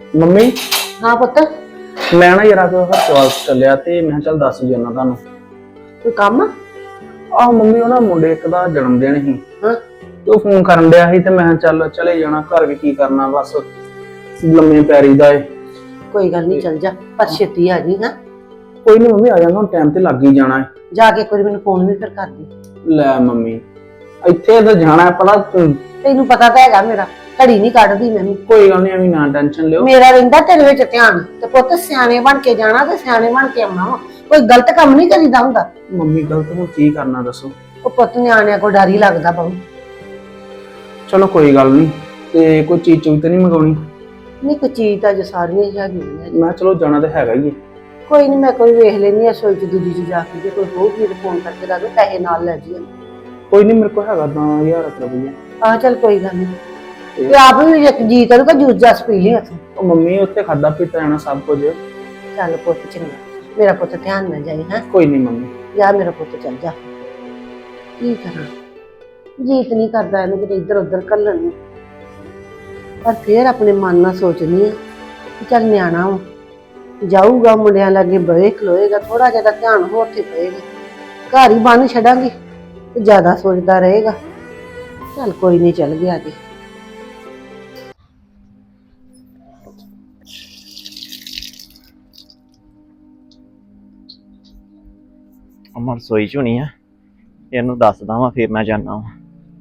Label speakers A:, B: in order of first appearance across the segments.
A: Mummy
B: हाँ पुत्र
A: ਮੈਂ ਨਾ ਯਾਰ ਕੋ ਹਸਪਤਾਲ ਚੱਲਿਆ ਤੇ ਮੈਂ ਚੱਲ ਦੱਸ ਜਾਣਾ ਤੁਹਾਨੂੰ।
B: कोई काम
A: ਆਹ ਮੰਮੀ ਉਹ ਨਾ ਮੁੰਡੇ ਇੱਕ ਦਾ ਜਨਮ ਦਿਨ ਸੀ
B: हाँ
A: ਤੇ ਉਹ ਫੋਨ ਕਰਨ ਡਿਆ ਸੀ ਤੇ ਮੈਂ ਚੱਲ ਚਲੇ ਜਾਣਾ, ਘਰ ਵੀ ਕੀ ਕਰਨਾ, ਬਸ ਲੰਮੇ ਪੈਰੀ ਦਾ ਏ।
B: कोई गल नहीं, चल जा पर छेती आ जी। हाँ
A: ਕੋਈ ਨਹੀਂ ਮੰਮੀ, ਆ ਜਾਣਾ, ਹੁਣ ਟਾਈਮ ਤੇ ਲੱਗ ਹੀ ਜਾਣਾ ਏ।
B: जाके एक बार मैंने फोन भी फिर कर दी।
A: ਲੈ ਮੰਮੀ ਇੱਥੇ ਤਾਂ ਜਾਣਾ ਹੈ ਪਤਾ
B: तेनू पता तो हैगा मेरा घड़ी नहीं कढ़दी मैं।
A: ਕੋਈ ਗੱਲ ਨਹੀਂ, ਐਵੇਂ ਨਾ ਟੈਨਸ਼ਨ ਲਿਓ।
B: मेरा रहिंदा तेरे विच ध्यान ते पुत्त सियाणे बन के जाना ते सियाणे बन के आउणा वा। कोई गलत काम नहीं करीदा हुंदा।
A: ਮੰਮੀ ਗਲਤ ਹੁਣ ਕੀ ਕਰਨਾ ਦੱਸੋ।
B: ओ पुत्त न्याणियां को डर ही लगदा बहुत।
A: ਚਲੋ ਕੋਈ ਗੱਲ ਨਹੀਂ, ਤੇ ਕੋਈ ਚੀਜ਼ ਚੁੱਕ ਤੇ ਨਹੀਂ ਮੰਗਾਉਣੀ।
B: नहीं कोई चीज तां जो सारियां ही हैगियां।
A: ਮੈਂ ਚਲੋ ਜਾਣਾ ਤਾਂ ਹੈਗਾ ਹੀ ਏ।
B: कोई नहीं, मैं कोई वेख लेनी है सोच दूजी च जाके, जे कोई होगी तो फोन करके दस दो, पैसे नाल ले जी।
A: ਕੋਈ ਨਹੀਂ, ਮੇਰੇ ਕੋਲ ਹੈਗਾ 10,000 ਰੁਪਈਆ।
B: हाँ चल कोई गल नहीं, ते आप भी एक जी करूगा जूस जास पी ली उत्थों।
A: ਉਹ ਮੰਮੀ ਉੱਥੇ ਖਾਦਾ ਪੀਤਾ ਜਾਣਾ ਸਭ ਕੁਝ।
B: चल पुत्त चंगा, मेरा पुत्त ध्यान न जाए। हाँ
A: ਕੋਈ ਨਹੀਂ ਮੰਮੀ।
B: जा मेरा पुत्त चल जा। की करा जीत नहीं करता इन्हू कि इधर उधर घल्लण नूं, पर फिर अपने मन नाल सोचनी है कि चल न्याणा वा, जाऊगा मुंडियां लागे बहे खलोएगा, थोड़ा ज्यादा ध्यान होर ते पएगा, घर ही बन छड़ांगी ते ज्यादा सोचता रहेगा। चल कोई नहीं, चल गया जी।
C: ਅਮਨ ਰਸੋਈ ਚ ਹੋਣੀ ਆ, ਇਹਨੂੰ ਦੱਸਦਾ ਵਾਂ ਫਿਰ ਮੈਂ ਜਾਣਾ ਵਾਂ।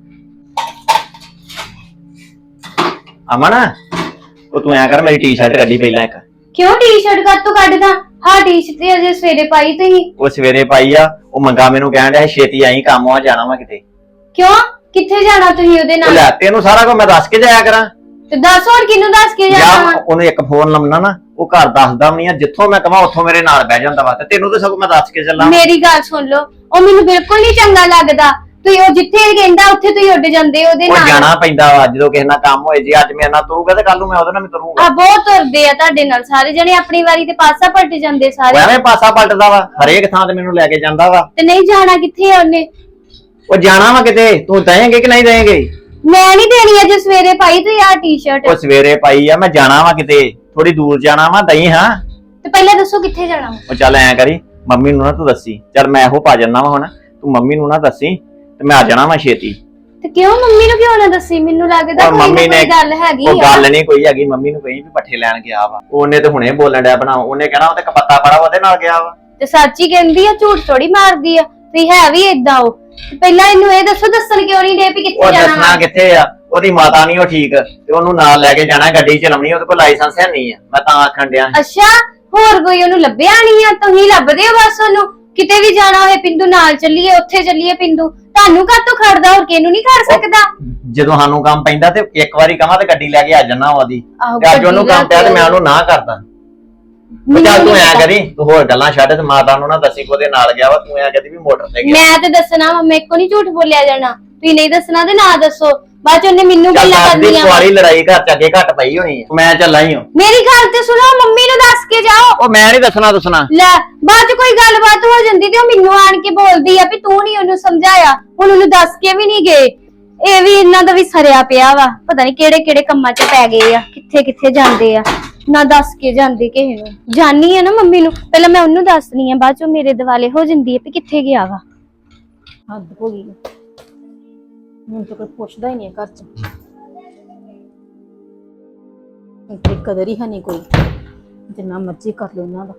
C: ਅਮਨ ਉਹ ਤੂੰ ਐ ਕਰ, ਮੇਰੀ ਟੀ-ਸ਼ਰਟ ਕੱਢੀ ਪਹਿਲਾਂ ਇੱਕ।
D: क्यों टी-शर्ट कद तो ਕੱਢਦਾ? ਹਾਂ ਟੀ-ਸ਼ਰਟ ਤੇ ਅਜੇ ਸਵੇਰੇ ਪਾਈ ਤੁਸੀਂ।
C: ਉਹ ਸਵੇਰੇ ਪਾਈ ਆ, ਉਹ ਮੰਗਾ ਮੈਨੂੰ ਕਹਿਣ ਡਿਆ ਛੇਤੀ ਆਈ, ਕੰਮ ਆ ਜਾਣਾ ਵਾ ਕਿਤੇ।
D: ਕਿਉਂ ਕਿੱਥੇ ਜਾਣਾ ਤੁਸੀਂ ਉਹਦੇ
C: ਉਹ
D: ਨਾਲ?
C: ਲੈ ਤੈਨੂੰ ਸਾਰਾ ਕੁਝ ਮੈਂ ਦੱਸ ਕੇ ਜਾਇਆ ਕਰਾਂ।
D: ਤੇ ਦੱਸ ਹੋਰ ਕਿਹਨੂੰ ਦੱਸ ਕੇ ਜਾਣਾ
C: ਜਾਂ
D: ਵਾ?
C: ਉਹਨੂੰ ਇੱਕ ਫੋਨ ਲਾਉਣਾ ਨਾ, ਉਹ ਘਰ ਦੱਸਦਾ ਵੀ ਨਹੀਂ ਆ, ਜਿੱਥੋਂ ਮੈਂ ਕਹਾਂ ਉੱਥੋਂ ਮੇਰੇ ਨਾਲ ਬਹਿ ਜਾਂਦਾ ਵਾ, ਤੇ ਤੈਨੂੰ ਤਾਂ ਸਗੋਂ ਮੈਂ ਦੱਸ ਕੇ ਚੱਲਾਂ।
D: ਮੇਰੀ ਗੱਲ ਸੁਣ ਲਓ, ਉਹ ਮੈਨੂੰ ਬਿਲਕੁਲ ਨਹੀਂ ਚੰਗਾ ਲੱਗਦਾ। ਤੁਸੀਂ ਉਹ ਜਿੱਥੇ ਕਹਿੰਦਾ ਉੱਥੇ ਤੁਸੀਂ ਉੱਡ ਜਾਂਦੇ ਉਹਦੇ
C: ਉਹ
D: ਨਾਲ।
C: ਜਾਣਾ ਪੈਂਦਾ ਵਾ ਜਦੋਂ ਕਿਸੇ ਨਾਲ ਕੰਮ ਹੋਏ। ਜੇ ਅੱਜ ਮੇਰੇ ਨਾਲ ਤੁਰੂਗਾ ਤੇ ਕੱਲ ਨੂੰ ਮੈਂ ਉਹਦੇ ਨਾਲ ਵੀ ਤੁਰੂੰਗਾ।
D: ਆ ਬਹੁਤ ਤੁਰਦੇ ਆ ਤੁਹਾਡੇ ਨਾਲ ਸਾਰੇ ਜਣੇ, ਆਪਣੀ ਵਾਰੀ ਤੇ ਪਾਸਾ ਪਲਟ ਜਾਂਦੇ ਸਾਰੇ।
C: ਐਵੇਂ ਪਾਸਾ ਪਲਟਦਾ ਵਾ, ਹਰੇਕ ਥਾਂ ਤੇ ਮੈਨੂੰ ਲੈ ਕੇ ਜਾਂਦਾ ਵਾ।
D: ਤੇ ਨਹੀਂ ਜਾਣਾ ਕਿੱਥੇ ਆ ਉਹਨੇ?
C: ਉਹ ਜਾਣਾ ਵਾ ਕਿਤੇ, ਤੂੰ ਦੇਂਗੇ ਕਿ ਨਹੀਂ ਦੇਂਗੇ?
D: ਮੈਂ ਨਹੀਂ ਦੇਣੀ ਅਜੇ ਸਵੇਰੇ ਪਾਈ ਤੇ ਆ ਟੀ-ਸ਼ਰਟ।
C: ਉਹ ਸਵੇਰੇ ਪਾਈ ਆ, ਮੈਂ ਜਾਣਾ ਵਾ ਕਿਤੇ, ਥੋੜੀ ਦੂਰ ਜਾਣਾ ਵਾ, ਦਈ ਹਾਂ।
D: ਤੇ ਪਹਿਲਾਂ ਦੱਸੋ ਕਿੱਥੇ ਜਾਣਾ ਵਾ?
C: ਉਹ ਚੱਲ ਐ ਕਰੀ, ਮੰਮੀ ਨੂੰ ਨਾ ਤੂੰ ਦੱਸੀ। ਚੱਲ ਮੈਂ ਇਹੋ ਪਾ ਜੰਨਾ ਵਾ ਹੁਣ, ਤੂੰ ਮੰਮੀ ਨੂੰ ਨਾ ਦੱਸੀ ਤੇ ਮੈਂ ਆ ਜਾਣਾ ਵਾ ਛੇਤੀ।
D: ਤੇ ਕਿਉਂ ਮੰਮੀ ਨੂੰ ਕਿਉਂ ਨਾ ਦੱਸੀ? ਮੈਨੂੰ ਲੱਗਦਾ
C: ਉਹ
D: ਕੋਈ ਨਾ
C: ਮੰਮੀ ਨੇ
D: ਕੋਈ ਗੱਲ ਹੈਗੀ
C: ਉਹ
D: ਆ।
C: ਗੱਲ ਨਹੀਂ ਕੋਈ ਹੈਗੀ, ਮੰਮੀ ਨੂੰ ਕਹੀ ਵੀ ਪੱਠੇ ਲੈਣ ਗਿਆ ਵਾ। ਉਹਨੇ ਤੇ ਹੁਣੇ ਬੋਲਣ ਡਿਆ ਬਣਾ, ਉਹਨੇ ਕਹਿਣਾ ਉਹ ਤੇ ਕਪੱਤਾ ਪੜਾ ਉਹਦੇ ਨਾਲ ਗਿਆ ਵਾ।
D: ਤੇ ਸੱਚ ਹੀ ਕਹਿੰਦੀ ਆ, ਝੂਠ ਥੋੜੀ ਮਾਰਦੀ ਆ। ਤੇ ਹੈ ਵੀ ਏਦਾਂ ਉਹ। ਤੇ ਪਹਿਲਾਂ ਇਹਨੂੰ ਇਹ ਦੱਸੋ, ਦੱਸਣ ਕਿਉਂ ਨਹੀਂ ਦੇ ਵੀ
C: ਉਹ
D: ਕਿੱਥੇ ਜਾਣਾ
C: ਦੱਸਣਾ
D: ਵਾ?
C: ਕਿੱਥੇ ਆ, ਉਹਦੀ ਮਾਤਾ ਨਹੀਂ ਉਹ ਠੀਕ, ਤੇ ਉਹਨੂੰ ਨਾਲ ਲੈ ਕੇ ਜਾਣਾ, ਗੱਡੀ ਚਲਾਉਣੀ, ਉਹਦੇ ਕੋਲ ਲਾਇਸੈਂਸ ਹੈ ਨਹੀਂ ਆ, ਮੈਂ ਤਾਂ ਆਖਣ ਡਿਆ।
D: ਅੱਛਾ, ਹੋਰ ਕੋਈ ਉਹਨੂੰ ਲੱਭਿਆ ਨਹੀਂ ਆ? ਤੁਸੀਂ ਲੱਭਦੇ ਹੋ ਬਸ ਉਹਨੂੰ। ਕਿਤੇ ਵੀ ਜਾਣਾ ਹੋਏ ਪਿੰਦੂ ਨਾਲ ਚੱਲੀਏ, ਉੱਥੇ ਚੱਲੀਏ ਪਿੰਦੂ। ਤੁਹਾਨੂੰ ਕਾਹਤੋਂ ਖੜਦਾ, ਹੋਰ ਕਿਹਨੂੰ ਨਹੀਂ ਖੜ ਸਕਦਾ?
C: ਜਦੋਂ ਸਾਨੂੰ ਕੰਮ ਪੈਂਦਾ ਤੇ ਇੱਕ ਵਾਰੀ ਕਹਾਂ ਤੇ ਗੱਡੀ ਲੈ ਕੇ ਆ ਜਾਣਾ ਉਹਦੀ,
D: ਆਹੋ,
C: ਤੇ ਅੱਜ ਉਹਨੂੰ
D: ਗੱਡੀ
C: ਕੰਮ ਪਿਆ ਤੇ ਮੈਂ ਉਹਨੂੰ ਨਾ ਕਰਦਾ। ਚੱਲ ਤੂੰ ਐ ਕਰੀ, ਤੂੰ ਹੋਰ ਗੱਲਾਂ ਛੱਡ ਤੇ ਮਾਤਾ ਨੂੰ ਨਾ ਦੱਸੀ ਕਿ ਉਹਦੇ ਨਾਲ ਗਿਆ ਵਾ। ਤੂੰ ਐ ਕਹਦੀ ਵੀ ਮੋਟਰ ਤੇ ਗਿਆ।
D: ਮੈਂ ਤੇ ਦੱਸਣਾ ਵਾ, ਮੇਰੇ ਕੋ ਨਹੀਂ ਝੂਠ ਬੋਲਿਆ ਜਾਣਾ। ਤੁਸੀਂ ਨਹੀਂ ਦੱਸਣਾ ਤੇ ਨਾ ਦੱਸੋ, ਬਾਅਦ ਚ ਉਹਨੇ ਮੈਨੂੰ
C: ਚੱਲ
D: ਗੱਲਾਂ
C: ਦੱਸ ਦੀ,
D: ਕਰਨੀਆਂ ਵਾ।
C: ਕੁਆਰੀ ਲੜਾਈ ਘਰ ਚ ਅੱਗੇ ਘੱਟ ਪਈ ਹੋਣੀ ਆ। ਮੈਂ ਚੱਲਾਂ ਹੀ ਹਾਂ।
D: ਮੇਰੀ ਗੱਲ ਤੇ ਸੁਣੋ, ਮੰਮੀ ਨੂੰ ਦੱਸ ਕੇ ਜਾਓ।
C: ਉਹ ਮੈਂ ਨਹੀਂ ਦੱਸਣਾ
D: ਲੈ ਬਾਅਦ ਚ ਕੋਈ ਗੱਲਬਾਤ ਹੋ ਜਾਂਦੀ ਤੇ ਉਹ ਮੈਨੂੰ ਆਣ ਕੇ ਬੋਲਦੀ ਆ ਵੀ ਤੂੰ ਨਹੀਂ ਉਹਨੂੰ ਸਮਝਾਇਆ। ਹੁਣ ਉਹਨੂੰ ਦੱਸ ਕੇ ਵੀ ਨਹੀਂ ਗਏ। ਇਹ ਵੀ ਇਹਨਾਂ ਦਾ ਵੀ ਸਰਿਆ ਪਿਆ ਵਾ, ਪਤਾ ਨਹੀਂ ਕਿਹੜੇ ਕਿਹੜੇ ਕੰਮਾਂ 'ਚ ਪੈ ਗਏ ਆ, ਕਿੱਥੇ ਕਿੱਥੇ ਜਾਂਦੇ ਆ, ਨਾ ਦੱਸ ਕੇ ਜਾਂਦੇ ਕਿਸੇ ਨੂੰ। ਜਾਨੀ ਆ ਨਾ ਮੰਮੀ ਨੂੰ, ਪਹਿਲਾਂ ਮੈਂ ਉਹਨੂੰ ਦੱਸਣੀ ਆ, ਬਾਅਦ ਚ ਮੇਰੇ ਦਿਵਾਲੇ ਹੋ ਜਾਂਦੀ ਆ ਵੀ ਕਿੱਥੇ ਗਿਆ ਵਾ।
E: ਹੱਦ ਹੋ ਗਈ ਹੁਣ ਤਾਂ ਕੋਈ ਪੁੱਛਦਾ ਹੀ ਨਹੀਂ ਘਰ ਚ। ਤੇ ਕਦਰ ਹੀ ਹੈ ਨਹੀਂ ਕੋਈ, ਜਿੰਨਾ ਮਰਜ਼ੀ ਕਰ ਲਓ ਇਹਨਾਂ ਦਾ।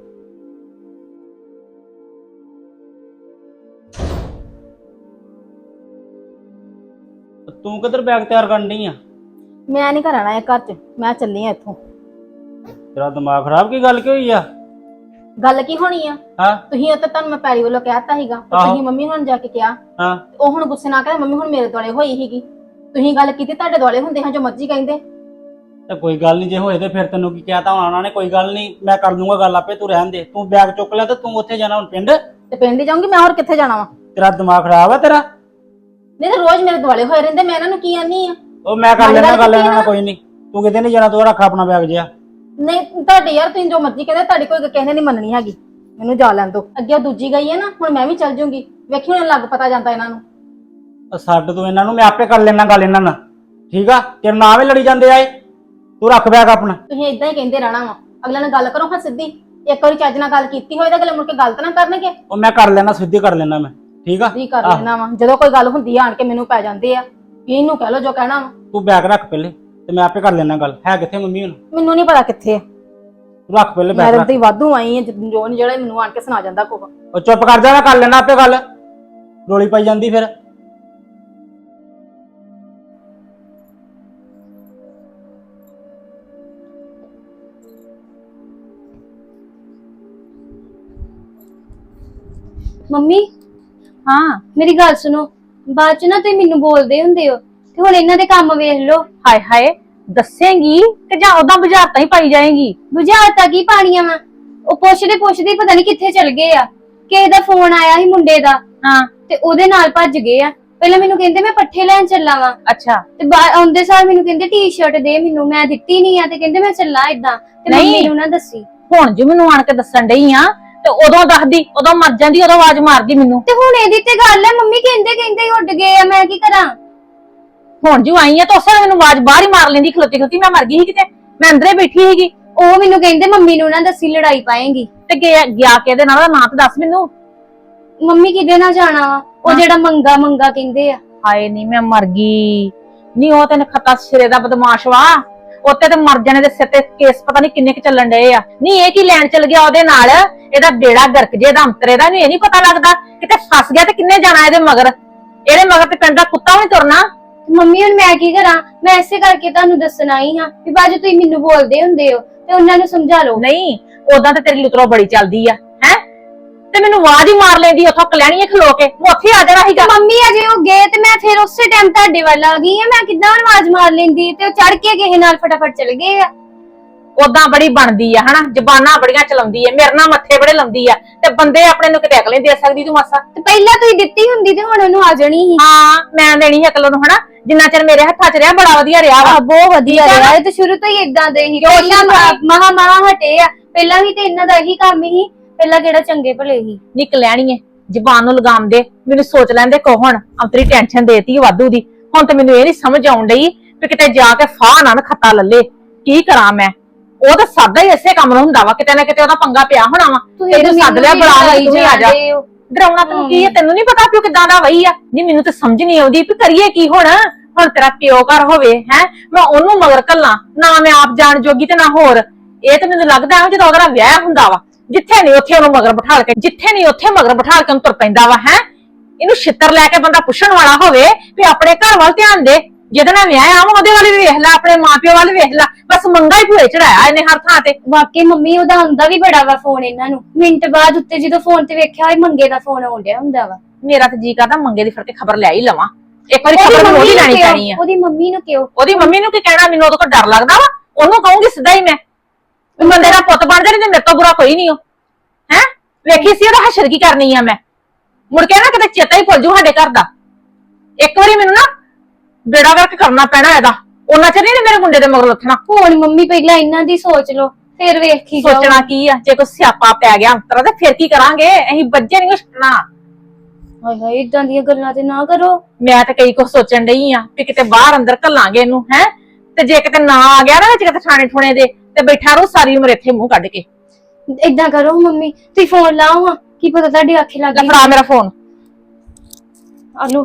F: ਤੂੰ ਕਿੱਧਰ ਬੈਗ ਤਿਆਰ ਕਰਨ ਡਈ ਆ?
E: ਮੈਂ ਨਹੀਂ ਘਰ ਆਣਾ ਇਹ ਘਰ ਚ, ਮੈਂ ਚੱਲੀ ਆ ਇੱਥੋਂ।
F: ਤੇਰਾ ਦਿਮਾਗ ਖਰਾਬ, ਕੀ ਗੱਲ ਕੀ ਹੋਈ ਆ?
E: ਗੱਲ ਕੀ ਹੋਣੀ ਆ?
F: ਹਾਂ
E: ਤੁਸੀਂ ਉੱਤੇ ਤੁਹਾਨੂੰ ਮੈਂ ਪੈਰੀ ਵੱਲੋਂ ਕਹਿਤਾ ਸੀਗਾ, ਤੇ
F: ਆਹੋ।
E: ਤੁਸੀਂ ਮੰਮੀ ਹੁਣ ਜਾ ਕੇ ਕਿਹਾ,
F: ਹਾਂ
E: ਉਹ ਹੁਣ ਗੁੱਸੇ ਨਾਲ ਕਹਿੰਦੇ ਮੰਮੀ ਹੁਣ ਮੇਰੇ ਦੁਆਲੇ ਹੋਈ ਸੀਗੀ। ਤੁਸੀਂ ਗੱਲ ਕੀਤੀ, ਤੁਹਾਡੇ ਦੁਆਲੇ ਹੁੰਦੇ ਹਾਂ ਜੋ ਮਰਜ਼ੀ ਕਹਿੰਦੇ।
F: ਤੇ ਕੋਈ ਗੱਲ ਨਹੀਂ, ਜੇ ਹੋਏ ਤੇ ਫਿਰ ਤੈਨੂੰ ਕੀ ਕਹਿਤਾ ਹੋਣਾ ਉਹਨਾਂ ਨੇ? ਕੋਈ ਗੱਲ ਨਹੀਂ, ਮੈਂ ਕਰ ਦੂੰਗਾ ਗੱਲ ਆਪੇ, ਤੂੰ ਰਹਿਣ ਦੇ। ਤੂੰ ਬੈਗ ਚੁੱਕ ਲਿਆ ਤੇ ਤੂੰ ਉੱਥੇ ਜਾਣਾ ਹੁਣ ਪਿੰਡ?
E: ਤੇ ਪਿੰਡ ਹੀ ਜਾਊਂਗੀ ਮੈਂ, ਹੋਰ ਕਿੱਥੇ ਜਾਣਾ ਵਾ?
F: ਤੇਰਾ ਦਿਮਾਗ ਖਰਾਬ ਆ ਤੇਰਾ?
E: ਨਹੀਂ ਤਾਂ ਰੋਜ਼ ਮੇਰੇ ਦੁਆਲੇ ਹੋਏ ਰਹਿੰਦੇ, ਮੈਂ ਇਹਨਾਂ ਨੂੰ ਕੀ ਆਨੀ ਆ?
F: ਉਹ ਮੈਂ ਕਰ
E: ਗੱਲ
F: ਲੈਣਾ ਗੱਲ ਇਹਨਾਂ ਨਾਲ,
E: ਕੀਤੀ
F: ਕੋਈ ਨਹੀਂ। ਤੂੰ ਕਿਤੇ ਨਹੀਂ ਜਾਣਾ, ਤੂੰ ਰੱਖ ਆਪਣਾ ਬੈਗ ਜਿਆ।
E: ਨਹੀਂ ਤੁਹਾਡੇ ਯਾਰ ਤੁਸੀਂ ਜੋ ਮਰਜ਼ੀ ਕਹਿੰਦੇ, ਤੁਹਾਡੀ ਕੋਈ ਕਿਸੇ ਨੇ ਨਹੀਂ ਮੰਨਣੀ ਹੈਗੀ। ਮੈਨੂੰ ਜਾ ਲੈਣ ਦੋ। ਅੱਗੇ ਉਹ ਦੂਜੀ ਗਈ ਹੈ ਨਾ, ਹੁਣ ਮੈਂ ਵੀ ਚੱਲ ਜੂੰਗੀ। ਵੇਖੀ ਹੁਣ ਲੱਗ ਪਤਾ ਜਾਂਦਾ ਇਹਨਾਂ ਨੂੰ।
F: ਛੱਡ ਤੂੰ ਇਹਨਾਂ ਨੂੰ, ਮੈਂ ਆਪੇ ਕਰ ਲੈਣਾ ਗੱਲ ਇਹਨਾਂ ਨਾਲ, ਠੀਕ ਆ? ਤੇਰੇ ਨਾਲ ਵੀ ਲੜੀ ਜਾਂਦੇ ਆਏ। ਤੂੰ ਰੱਖ ਬੈਗ ਆਪਣਾ।
E: ਤੁਸੀਂ ਇਦਾਂ ਹੀ ਕਹਿੰਦੇ ਰਹਿਣਾ ਵਾ। ਅਗਲੇ ਨਾਲ ਗੱਲ ਕਰੋ ਹਾਂ ਸਿੱਧੀ। ਇੱਕ ਵਾਰੀ ਚੱਜ ਨਾਲ ਗੱਲ ਕੀਤੀ ਹੋਏ ਤਾਂ ਅਗਲੇ ਮੁੜ ਕੇ ਗੱਲ ਤਾਂ ਨਾ ਕਰਨਗੇ।
F: ਉਹ ਮੈਂ ਕਰ ਲੈਣਾ, ਸਿੱਧੀ ਕਰ ਲੈਣਾ ਮੈਂ, ਠੀਕ ਆ।
E: ਕੀ ਕਰ ਲੈਣਾ ਵਾ, ਜਦੋਂ ਕੋਈ ਗੱਲ ਹੁੰਦੀ ਆ ਆਣ ਕੇ ਮੈਨੂੰ ਪੈ ਜਾਂਦੇ ਆ ਵੀ ਇਹਨੂੰ ਕਹਿ ਲੋ ਜੋ ਕਹਿਣਾ ਵਾ।
F: ਤੂੰ ਬੈਗ ਰੱਖ ਪਹਿਲੇ ਤੇ ਮੈਂ ਆਪੇ ਕਰ ਲੈਣਾ ਗੱਲ। ਹੈ ਕਿੱਥੇ ਮੰਮੀ ਹੁਣ?
E: ਮੈਨੂੰ ਨਹੀਂ ਪਤਾ ਕਿੱਥੇ ਆ।
F: ਤੂੰ ਰੱਖ ਪਹਿਲੇ
E: ਮੈਂ
F: ਬੈਗ
E: ਤਾਂ
F: ਰੱਖ।
E: ਤੇ ਵਾਧੂ ਆਈ ਆ ਜੋ ਨੀ ਜਿਹੜਾ ਮੈਨੂੰ ਆਣ ਕੇ ਸੁਣਾ ਜਾਂਦਾ ਕੋਹ।
F: ਉਹ ਚੁੱਪ ਕਰ ਜਾ, ਮੈਂ ਕਰ ਲੈਣਾ ਆਪੇ ਗੱਲ। ਰੋਲੀ ਪਾਈ ਜਾਂਦੀ ਫਿਰ।
D: ਮੰਮੀ
G: ਹਾਂ
D: ਮੇਰੀ ਗੱਲ ਸੁਣੋ, ਬਾਅਦ ਚ ਨਾ ਤੁਸੀਂ ਮੈਨੂੰ ਬੋਲਦੇ ਹੁੰਦੇ ਹੋ ਤੇ ਹੁਣ ਇਹਨਾਂ ਦੇ ਕੰਮ ਵੇਖ ਲਓ।
G: ਹਾਏ ਹਾਏ ਦੱਸੇਂਗੀ ਕਿ ਜਾਂ ਉਦਾਂ ਬੁਝਾਰਤਾਂ ਹੀ ਪਾਈ ਜਾਏਂਗੀ?
D: ਬੁਝਾਰਤਾਂ ਕੀ ਪਾਣੀਆਂ ਵਾ? ਉਹ ਪੁੱਛਦੇ ਪਤਾ ਨਹੀਂ ਕਿੱਥੇ ਚਲ ਗਏ ਆ। ਕਿਸੇ ਦਾ ਫੋਨ ਆਇਆ ਸੀ ਮੁੰਡੇ ਦਾ,
G: ਹਾਂ
D: ਤੇ ਉਹਦੇ ਨਾਲ ਭੱਜ ਗਏ ਆ। ਪਹਿਲਾਂ ਮੈਨੂੰ ਕਹਿੰਦੇ ਮੈਂ ਪੱਠੇ ਲੈਣ ਚੱਲਾਂ ਵਾਂ,
G: ਅੱਛਾ
D: ਤੇ ਆਉਂਦੇ ਸਾਰ ਮੈਨੂੰ ਕਹਿੰਦੇ ਟੀ-ਸ਼ਰਟ ਦੇ ਮੈਨੂੰ, ਮੈਂ ਦਿੱਤੀ ਨਹੀਂ ਆ ਤੇ ਕਹਿੰਦੇ ਮੈਂ ਚੱਲਾਂ ਇਦਾਂ, ਤੇ
G: ਨਹੀਂ।
D: ਮੰਮੀ ਨੂੰ ਨਾ ਦੱਸੀ।
G: ਹੁਣ ਜੀ ਮੈਨੂੰ ਆਣ ਕੇ ਦੱਸਣ ਡਈ ਆ ਤੇ ਉਦੋਂ ਦੱਸਦੀ, ਉਦੋਂ ਮਰ ਜਾਂਦੀ, ਉਦੋਂ ਆਵਾਜ਼ ਮਾਰਦੀ ਮੈਨੂੰ।
D: ਤੇ ਹੁਣ ਇਹਦੀ ਤੇ ਗੱਲ ਹੈ, ਮੰਮੀ ਕਹਿੰਦੇ ਹੀ ਉੱਡ ਗਏ ਆ, ਮੈਂ ਕੀ ਕਰਾਂ?
G: ਹੁਣ ਜੀ ਆਈ ਆ ਤਾਂ ਉਸੇ ਵੇਲੇ ਮੈਨੂੰ ਆਵਾਜ਼ ਬਾਹਰ ਹੀ ਮਾਰ ਲੈਂਦੀ ਖਲੋਤੀ ਮੈਂ ਮਰ ਗਈ ਸੀ ਕਿਤੇ, ਮੈਂ ਅੰਦਰੇ ਬੈਠੀ ਸੀਗੀ।
D: ਉਹ ਮੈਨੂੰ ਕਹਿੰਦੇ ਮੰਮੀ ਨੂੰ ਨਾ ਦੱਸੀ, ਲੜਾਈ ਪਾਏਂਗੀ।
G: ਤੇ ਗਿਆ ਕਿਹਦੇ ਨਾਲ, ਉਹਦਾ ਨਾਂ ਤਾਂ ਦੱਸ ਮੈਨੂੰ।
D: ਮੰਮੀ ਕਿਹਦੇ ਨਾਲ ਜਾਣਾ ਵਾ? ਉਹ ਜਿਹੜਾ ਮੰਗਾ ਕਹਿੰਦੇ ਆ।
G: ਹਾਏ ਨਹੀਂ ਮੈਂ ਮਰ ਗਈ। ਨਹੀਂ ਉਹ ਤੈਨੂੰ ਖਤਾ ਸਿਰੇ ਦਾ ਬਦਮਾਸ਼ ਵਾ, ਉੱਤੇ ਤੇ ਮਰ ਜਾਣੇ ਦੇ ਸਿਰ ਤੇ ਕੇਸ ਪਤਾ ਨਹੀਂ ਕਿੰਨੇ ਕੁ ਚੱਲਣ ਡਏ ਆ। ਨਹੀਂ ਇਹ ਕੀ ਲੈਣ ਚੱਲ ਗਿਆ ਉਹਦੇ ਨਾਲ? ਇਹਦਾ ਬੇੜਾ ਗਰਕ ਜੇ ਦਾ ਅੰਤਰੇ ਦਾ, ਨਹੀਂ ਇਹ ਨਹੀਂ ਪਤਾ ਲੱਗਦਾ ਕਿਤੇ ਫਸ ਗਿਆ ਤੇ ਕਿੰਨੇ ਜਾਣਾ ਇਹਦੇ ਮਗਰ। ਇਹਦੇ ਮਗਰ ਤੇ ਪਿੰਡ ਦਾ ਕੁੱਤਾ ਵੀ ਨੀ ਤੁਰਨਾ।
D: ਮੰਮੀ ਹੁਣ ਮੈਂ ਕੀ ਕਰਾਂ? ਮੈਂ ਇਸੇ ਕਰਕੇ ਤੁਹਾਨੂੰ ਦੱਸਣ ਆਈ ਹਾਂ ਵੀ ਬਾਜੂ ਤੁਸੀਂ ਮੈਨੂੰ ਬੋਲਦੇ ਹੁੰਦੇ ਹੋ ਤੇ ਉਹਨਾਂ ਨੂੰ ਸਮਝਾ ਲਓ।
G: ਨਹੀਂ ਉਦਾਂ ਤੇ ਤੇਰੀ ਲੁਤਰੋ ਬੜੀ ਚੱਲਦੀ ਆ ਹੈ, ਤੇ ਮੈਨੂੰ ਆਵਾਜ਼ ਹੀ ਮਾਰ ਲੈਂਦੀ ਉੱਥੋਂ ਕਲਿਆਣੀਏ ਖਲੋ ਕੇ, ਮੈਂ ਉੱਥੇ ਆ ਜਾਣਾ ਸੀਗਾ।
D: ਮੰਮੀ ਅਜੇ ਉਹ ਗਏ ਤੇ ਮੈਂ ਫਿਰ ਉਸੇ ਟਾਈਮ ਤੁਹਾਡੇ ਵੱਲ ਆ ਗਈ ਆ। ਮੈਂ ਕਿੱਦਾਂ ਆਵਾਜ਼ ਮਾਰ ਲੈਂਦੀ, ਤੇ ਉਹ ਚੜ ਕੇ ਕਿਸੇ ਨਾਲ ਫਟਾਫਟ ਚਲ ਗਏ ਆ।
G: ਉਦਾਂ ਬੜੀ ਬਣਦੀ ਆ ਹਨਾ, ਜ਼ਬਾਨਾਂ ਬੜੀਆਂ ਚਲਾਉਂਦੀ ਆ, ਮੇਰੇ ਨਾਲ ਮੱਥੇ ਬੜੇ ਲਾਉਂਦੀ ਆ, ਤੇ ਬੰਦੇ ਆਪਣੇ ਨੂੰ ਕਿਤੇ ਅਕਲ ਨਹੀਂ ਦੇ ਸਕਦੀ ਤੂੰ ਮਾਸਾ।
D: ਤੇ ਪਹਿਲਾਂ ਤੁਸੀਂ ਦਿੱਤੀ ਹੁੰਦੀ ਤੇ ਹੁਣ ਉਹਨੂੰ ਆ ਜਾਣੀ ਸੀ।
G: ਹਾਂ ਮੈਂ ਦੇਣੀ ਅਕਲ ਨੂੰ ਹਨਾ, ਜਿੰਨਾ ਚਿਰ ਮੇਰੇ ਹੱਥਾਂ 'ਚ ਰਿਹਾ ਬੜਾ ਵਧੀਆ ਰਿਹਾ ਵਾ।
D: ਬਹੁਤ ਵਧੀਆ
G: ਠੀਕ ਆ
D: ਰਿਹਾ।
G: ਨਾ?
D: ਇਹ ਤਾਂ ਸ਼ੁਰੂ ਤੋਂ ਹੀ ਇਦਾਂ ਦੇ ਹੀ,
G: ਕਿਉਂ
D: ਪਹਿਲਾਂ
G: ਸ਼ੁਰੂ
D: ਮਹਾ ਹਟੇ ਆ। ਪਹਿਲਾਂ ਵੀ ਤੇ ਇਹਨਾਂ ਦਾ ਇਹੀ ਕੰਮ ਹੀ, ਪਹਿਲਾਂ ਕਿਹੜਾ ਚੰਗੇ ਭਲੇ ਹੀ।
G: ਨਿਕ ਲੈਣੀਏ ਜ਼ਬਾਨ ਨੂੰ ਲਗਾਮ ਦੇ, ਮੈਨੂੰ ਸੋਚ ਲੈਂਦੇ ਕੋ ਹੁਣ ਅੰਤਰੀ ਟੈਨਸ਼ਨ ਦੇਤੀ ਵਾਧੂ ਦੀ। ਹੁਣ ਤੇ ਮੈਨੂੰ ਇਹ ਨਹੀਂ ਸਮਝ ਆਉਣ ਡਈ ਵੀ ਕਿਤੇ ਜਾ ਕੇ ਫਾਹ ਨਾ ਖੱਤਾ ਲੱਲੇ, ਕੀ ਕਰਾਂ ਮੈਂ? ਉਹ ਤਾਂ ਸਾਦਾ ਹੀ ਇਸੇ ਕੰਮ ਨੂੰ ਹੁੰਦਾ ਵਾ, ਕਿਤੇ ਨਾ ਕਿਤੇ ਉਹਦਾ ਪੰਗਾ ਪਿਆ ਹੋਣਾ ਵਾ। ਤੈਨੂੰ ਸੱਦ ਲਿਆ ਬੁਲਾ ਲਈ, ਤੂੰ ਵੀ ਆ ਜਾ। ਡਰਾਉਣਾ ਤੈਨੂੰ ਕੀ ਹੈ? ਤੈਨੂੰ ਨਹੀਂ ਪਤਾ ਪਿਓ ਕਿਦਾਂ ਦਾ ਵਈ ਆ? ਨਹੀਂ ਮੈਨੂੰ ਤਾਂ ਸਮਝ ਨਹੀਂ ਆਉਂਦੀ ਵੀ ਕਰੀਏ ਕੀ ਹੁਣ ਤੇਰਾ ਪਿਓ ਘਰ ਹੋਵੇ ਹੈ, ਮੈਂ ਉਹਨੂੰ ਮਗਰ ਕੱਲਾਂ ਨਾ, ਮੈਂ ਆਪ ਜਾਣ ਜੋਗੀ ਤੇ ਨਾ ਹੋਰ। ਇਹ ਤਾਂ ਮੈਨੂੰ ਲੱਗਦਾ ਹੈ ਜਦੋਂ ਉਹਦਾ ਵਿਆਹ ਹੁੰਦਾ ਵਾ, ਜਿੱਥੇ ਨਹੀਂ ਉੱਥੇ ਉਹਨੂੰ ਮਗਰ ਬਿਠਾ ਕੇ, ਜਿੱਥੇ ਨਹੀਂ ਉੱਥੇ ਮਗਰ ਬਿਠਾ ਕੇ ਉਹਨੂੰ ਤੁਰ ਪੈਂਦਾ ਵਾ ਹੈ। ਇਹਨੂੰ ਛਿੱਤਰ ਲੈ ਕੇ ਬੰਦਾ ਪੁੱਛਣ ਵਾਲਾ ਹੋਵੇ ਵੀ ਆਪਣੇ ਘਰ ਵੱਲ ਧਿਆਨ ਦੇ, ਜਿਹਦੇ ਨਾਲ ਵਿਆਹ ਆ ਉਹਦੇ ਵੱਲ ਵੀ ਵੇਖ ਲੈ, ਆਪਣੇ ਮਾਪਿਓ ਵੱਲ ਵੇਖ ਲੈ। ਬਸ ਮੰਗਾ ਹੀ ਭੂਏ ਚੜਾਇਆ ਇਹਨੇ ਹਰ ਥਾਂ ਤੇ।
D: ਵਾਕਈ ਮੰਮੀ ਉਹਦਾ ਆਉਂਦਾ ਵੀ ਬੜਾ ਵਾ ਫੋਨ ਇਹਨਾਂ ਨੂੰ, ਮਿੰਟ ਬਾਅਦ ਉੱਤੇ ਜਦੋਂ ਫੋਨ ਤੇ ਵੇਖਿਆ ਹੋਏ ਮੰਗੇ ਦਾ ਫੋਨ ਆਉਂਦਿਆ ਹੁੰਦਾ ਵਾ।
G: ਮੇਰਾ ਤੇ ਜੀ ਕਰਦਾ ਮੰਗੇ ਦੀ ਫੜ ਕੇ ਖਬਰ ਲੈ ਹੀ ਲਵਾਂ ਇੱਕ ਵਾਰੀ, ਖਬਰ ਮੈਨੂੰ ਉਹਦੀ ਲੈਣੀ ਪੈਣੀ ਆ।
D: ਉਹਦੀ ਮੰਮੀ ਨੂੰ ਕਿਉਂ?
G: ਉਹਦੀ ਮੰਮੀ ਨੂੰ ਕੀ ਕਹਿਣਾ, ਮੈਨੂੰ ਉਹਦੇ ਕੋਲ ਡਰ ਲੱਗਦਾ ਵਾ। ਉਹਨੂੰ ਕਹੂੰਗੀ ਸਿੱਧਾ ਹੀ ਮੈਂ, ਬੰਦੇ ਦਾ ਪੁੱਤ ਬਣ ਜਾ, ਨਹੀਂ ਤੇ ਮੇਰੇ ਤੋਂ ਬੁਰਾ ਕੋਈ ਨਹੀਂ ਹੋ ਹੈ। ਵੇਖੀ ਸੀ ਉਹਦਾ ਹਸ਼ਰ ਕੀ ਕਰਨੀ ਆ ਮੈਂ, ਮੁੜ ਕੇ ਨਾ ਕਿਤੇ ਚੇਤਾ ਹੀ ਭੁੱਲ ਜੂ ਸਾਡੇ ਘਰ ਦਾ। ਇੱਕ ਵਾਰੀ ਮੈਨੂੰ ਨਾ ਬੇੜਾ ਵਰਕ ਕਰਨਾ ਪੈਣਾ ਇਹਦਾ, ਉਹਨਾਂ ਚਿਰ ਨਹੀਂ ਮੇਰੇ ਮੁੰਡੇ ਦੇ ਮਗਰ ਲੱਥਣਾ।
D: ਹੁਣ ਮੰਮੀ ਪਹਿਲਾਂ ਇਹਨਾਂ ਦੀ ਸੋਚ ਲਓ, ਫਿਰ ਵੇਖੀ ਜਾਓ।
G: ਸੋਚਣਾ ਕੀ ਆ, ਜੇ ਕੋਈ ਸਿਆਪਾ ਪੈ ਗਿਆ ਅੰਤਰਾ ਤੇ ਫਿਰ ਕੀ ਕਰਾਂਗੇ? ਅਸੀਂ ਬੱਜੇ ਨਹੀਂ ਛੱਡਣਾ।
D: ਹਾਏ ਹਾਏ ਇਦਾਂ ਦੀਆਂ ਗੱਲਾਂ ਤੇ ਨਾ ਕਰੋ।
G: ਮੈਂ ਤਾਂ ਕਈ ਕੁਝ ਸੋਚਣ ਡਈ ਆ ਕਿ ਕਿਤੇ ਬਾਹਰ ਅੰਦਰ ਘੱਲਾਂਗੇ ਇਹਨੂੰ ਹੈ, ਤੇ ਜੇ ਕਿਤੇ ਨਾ ਆ ਗਿਆ ਨਾ ਵਿੱਚ ਕਿਤੇ ਥਾਣੇ ਠੁਣੇ ਦੇ, ਤੇ ਬੈਠਾ ਰਹੂ ਸਾਰੀ ਉਮਰ ਇੱਥੇ ਮੂੰਹ ਕੱਢ ਕੇ।
D: ਇਦਾਂ ਕਰੋ ਮੰਮੀ, ਤੁਸੀਂ ਫੋਨ ਲਾਓ ਹਾਂ, ਕੀ ਪਤਾ ਤੁਹਾਡੀ ਅੱਖੇ ਲੱਗ
G: ਲੈ
D: ਗਈ।
G: ਫੜਾ ਮੇਰਾ ਫੋਨ।
D: ਆਲੋ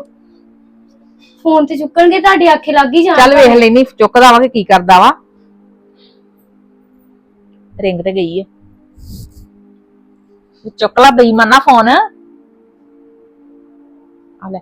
D: ਫੋਨ ਤੇ ਚੁੱਕਣਗੇ, ਤੁਹਾਡੀ ਅੱਖੇ ਲੱਗ ਹੀ ਜਾਣ।
G: ਚੱਲ ਵੇਖ ਲੈਨੀ ਚੁੱਕਦਾ ਵਾ ਕਿ ਕੀ ਕਰਦਾ ਵਾ। ਰਿੰਗ ਤੇ ਗਈ ਹੈ, ਚੁੱਕ ਲਾ ਬੇਈਮਾਨਾ ਫੋਨ। ਆ ਲੈ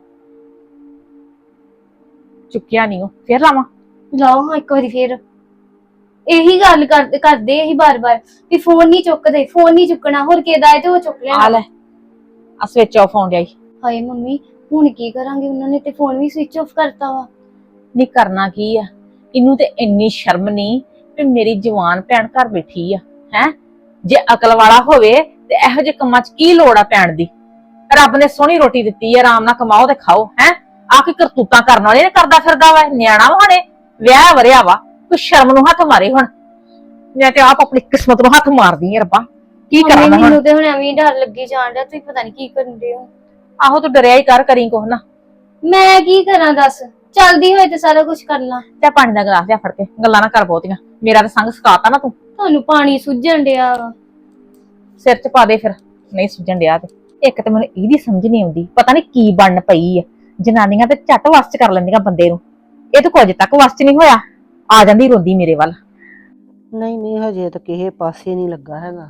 G: ਚੁੱਕਿਆ ਨਹੀਂ ਉਹ, ਫੇਰ ਲਾਵਾਂ?
D: ਲਾਓ ਹਾਂ ਇੱਕ ਵਾਰੀ ਫੇਰ। ਇਹੀ ਗੱਲ ਕਰਦੇ ਇਹੀ ਬਾਰ-ਬਾਰ ਵੀ ਫੋਨ ਨਹੀਂ ਚੁੱਕਦੇ, ਫੋਨ ਨਹੀਂ ਚੁੱਕਣਾ। ਹੋਰ ਕਿਹਦਾ ਹੈ ਤੇ ਉਹ ਚੁੱਕ
G: ਆ
D: ਲੈਣਾ।
G: ਲੈ ਆ ਸਵਿਚ ਆਫ ਹੋਣ ਡਿਆ ਈ।
D: ਹਾਏ ਮੰਮੀ ਹੁਣ ਕੀ ਕਰਾਂਗੇ? ਉਹਨਾਂ ਨੇ ਤੇ ਫੋਨ ਵੀ ਸਵਿਚ ਆਫ ਕਰਤਾ ਵਾ।
G: ਨਹੀਂ ਕਰਨਾ ਕੀ ਆ, ਇਹਨੂੰ ਤੇ ਇੰਨੀ ਸ਼ਰਮ ਨਹੀਂ ਵੀ ਮੇਰੀ ਜਵਾਨ ਭੈਣ ਘਰ ਬੈਠੀ ਆ ਹੈ। ਜੇ ਅਕਲ ਵਾਲਾ ਹੋਵੇ ਤੇ ਇਹੋ ਜਿਹੇ ਕੰਮਾਂ 'ਚ ਕੀ ਲੋੜ ਆ ਪੈਣ ਦੀ? ਰੱਬ ਨੇ ਸੋਹਣੀ ਰੋਟੀ ਦਿੱਤੀ ਆ, ਆਰਾਮ ਨਾਲ ਕਮਾਓ ਤੇ ਖਾਓ ਹੈ। ਆ ਕੀ ਕਰਤੂਤਾਂ ਕਰਨ ਵਾਲੇ ਨੇ ਕਰਦਾ ਫਿਰਦਾ ਵਾ, ਨਿਆਣਾ ਵਾ ਹੁਣੇ ਵਿਆਹ ਵਰਿਆ ਵਾ, ਕੋਈ ਸ਼ਰਮ ਨੂੰ ਹੱਥ ਮਾਰੇ। ਹੁਣ ਮੈਂ ਤੇ ਆਪ ਆਪਣੀ ਕਿਸਮਤ ਨੂੰ ਹੱਥ ਮਾਰਦੀ ਆ, ਰੱਬਾ ਕੀ ਕਰਾਂ ਮੈਂ ਹੁਣ?
D: ਮੈਨੂੰ ਤੇ ਹੁਣ ਐਵੇਂ ਡਰ ਲੱਗੀ ਜਾਣ ਡਿਆ, ਤੁਸੀਂ ਪਤਾ ਨਹੀਂ ਕੀ ਕਰਨ ਦੇ ਹੋ।
G: ਆਹੋ ਤੂੰ ਡਰਿਆ ਹੀ ਕਰ, ਕਰੀ ਕੁਛ ਨਾ।
D: ਮੈਂ ਕੀ ਕਰਾਂ ਦੱਸ? ਚੱਲਦੀ ਹੋਏ ਤੇ ਸਾਰਾ ਕੁਝ ਕਰ ਲਾਂ।
G: ਤੇ ਪਾਣੀ ਦਾ ਗਲਾਸ ਲਿਆ ਫੜ ਕੇ, ਗੱਲਾਂ ਨਾ ਕਰ ਬਹੁਤੀਆਂ, ਮੇਰਾ ਤਾਂ ਸੰਗ ਸਕਾਤਾ ਨਾ ਤੂੰ।
D: ਤੁਹਾਨੂੰ ਪਾਣੀ ਸੁੱਜਣ ਡਿਆ ਵਾ।
G: ਸਿਰ 'ਚ ਪਾ ਦੇ ਫਿਰ, ਨਹੀਂ ਸੁਝਣ ਡਿਆ ਤੇ। ਇੱਕ ਤੇ ਮੈਨੂੰ ਇਹਦੀ ਸਮਝ ਨਹੀਂ ਆਉਂਦੀ, ਪਤਾ ਨਹੀਂ ਕੀ ਬਣਨ ਪਈ ਆ। ਜਨਾਨੀਆਂ ਤੇ ਝੱਟ ਵੱਸ 'ਚ ਕਰ ਲੈਂਦੀਆਂ ਬੰਦੇ ਨੂੰ, ਇਹ ਤਾਂ ਕੁਝ ਤੱਕ ਵੱਸ 'ਚ ਨਹੀਂ ਹੋਇਆ, ਆ ਜਾਂਦੀ ਰੋਂਦੀ ਮੇਰੇ ਵੱਲ।
B: ਨਹੀਂ ਨਹੀਂ ਹਜੇ ਤਾਂ ਕਿਸੇ ਪਾਸੇ ਨਹੀਂ ਲੱਗਾ ਹੈਗਾ।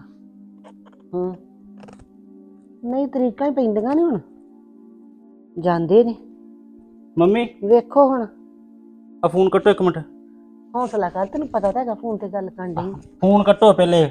B: ਨਹੀਂ ਤਰੀਕਾਂ ਹੀ ਪੈਂਦੀਆਂ ਨੇ ਹੁਣ, ਜਾਂਦੇ ਨੇ।
F: ਮੰਮੀ
B: ਵੇਖੋ ਹੁਣ,
F: ਆ ਫੋਨ ਕੱਟੋ ਇੱਕ ਮਿੰਟ।
B: ਹੌਸਲਾ ਕਰ, ਤੈਨੂੰ ਪਤਾ ਤਾਂ ਹੈਗਾ ਫੋਨ ਤੇ ਗੱਲ ਕਰਨ ਡਈ।
F: ਫੋਨ ਕੱਟੋ ਪਹਿਲੇ।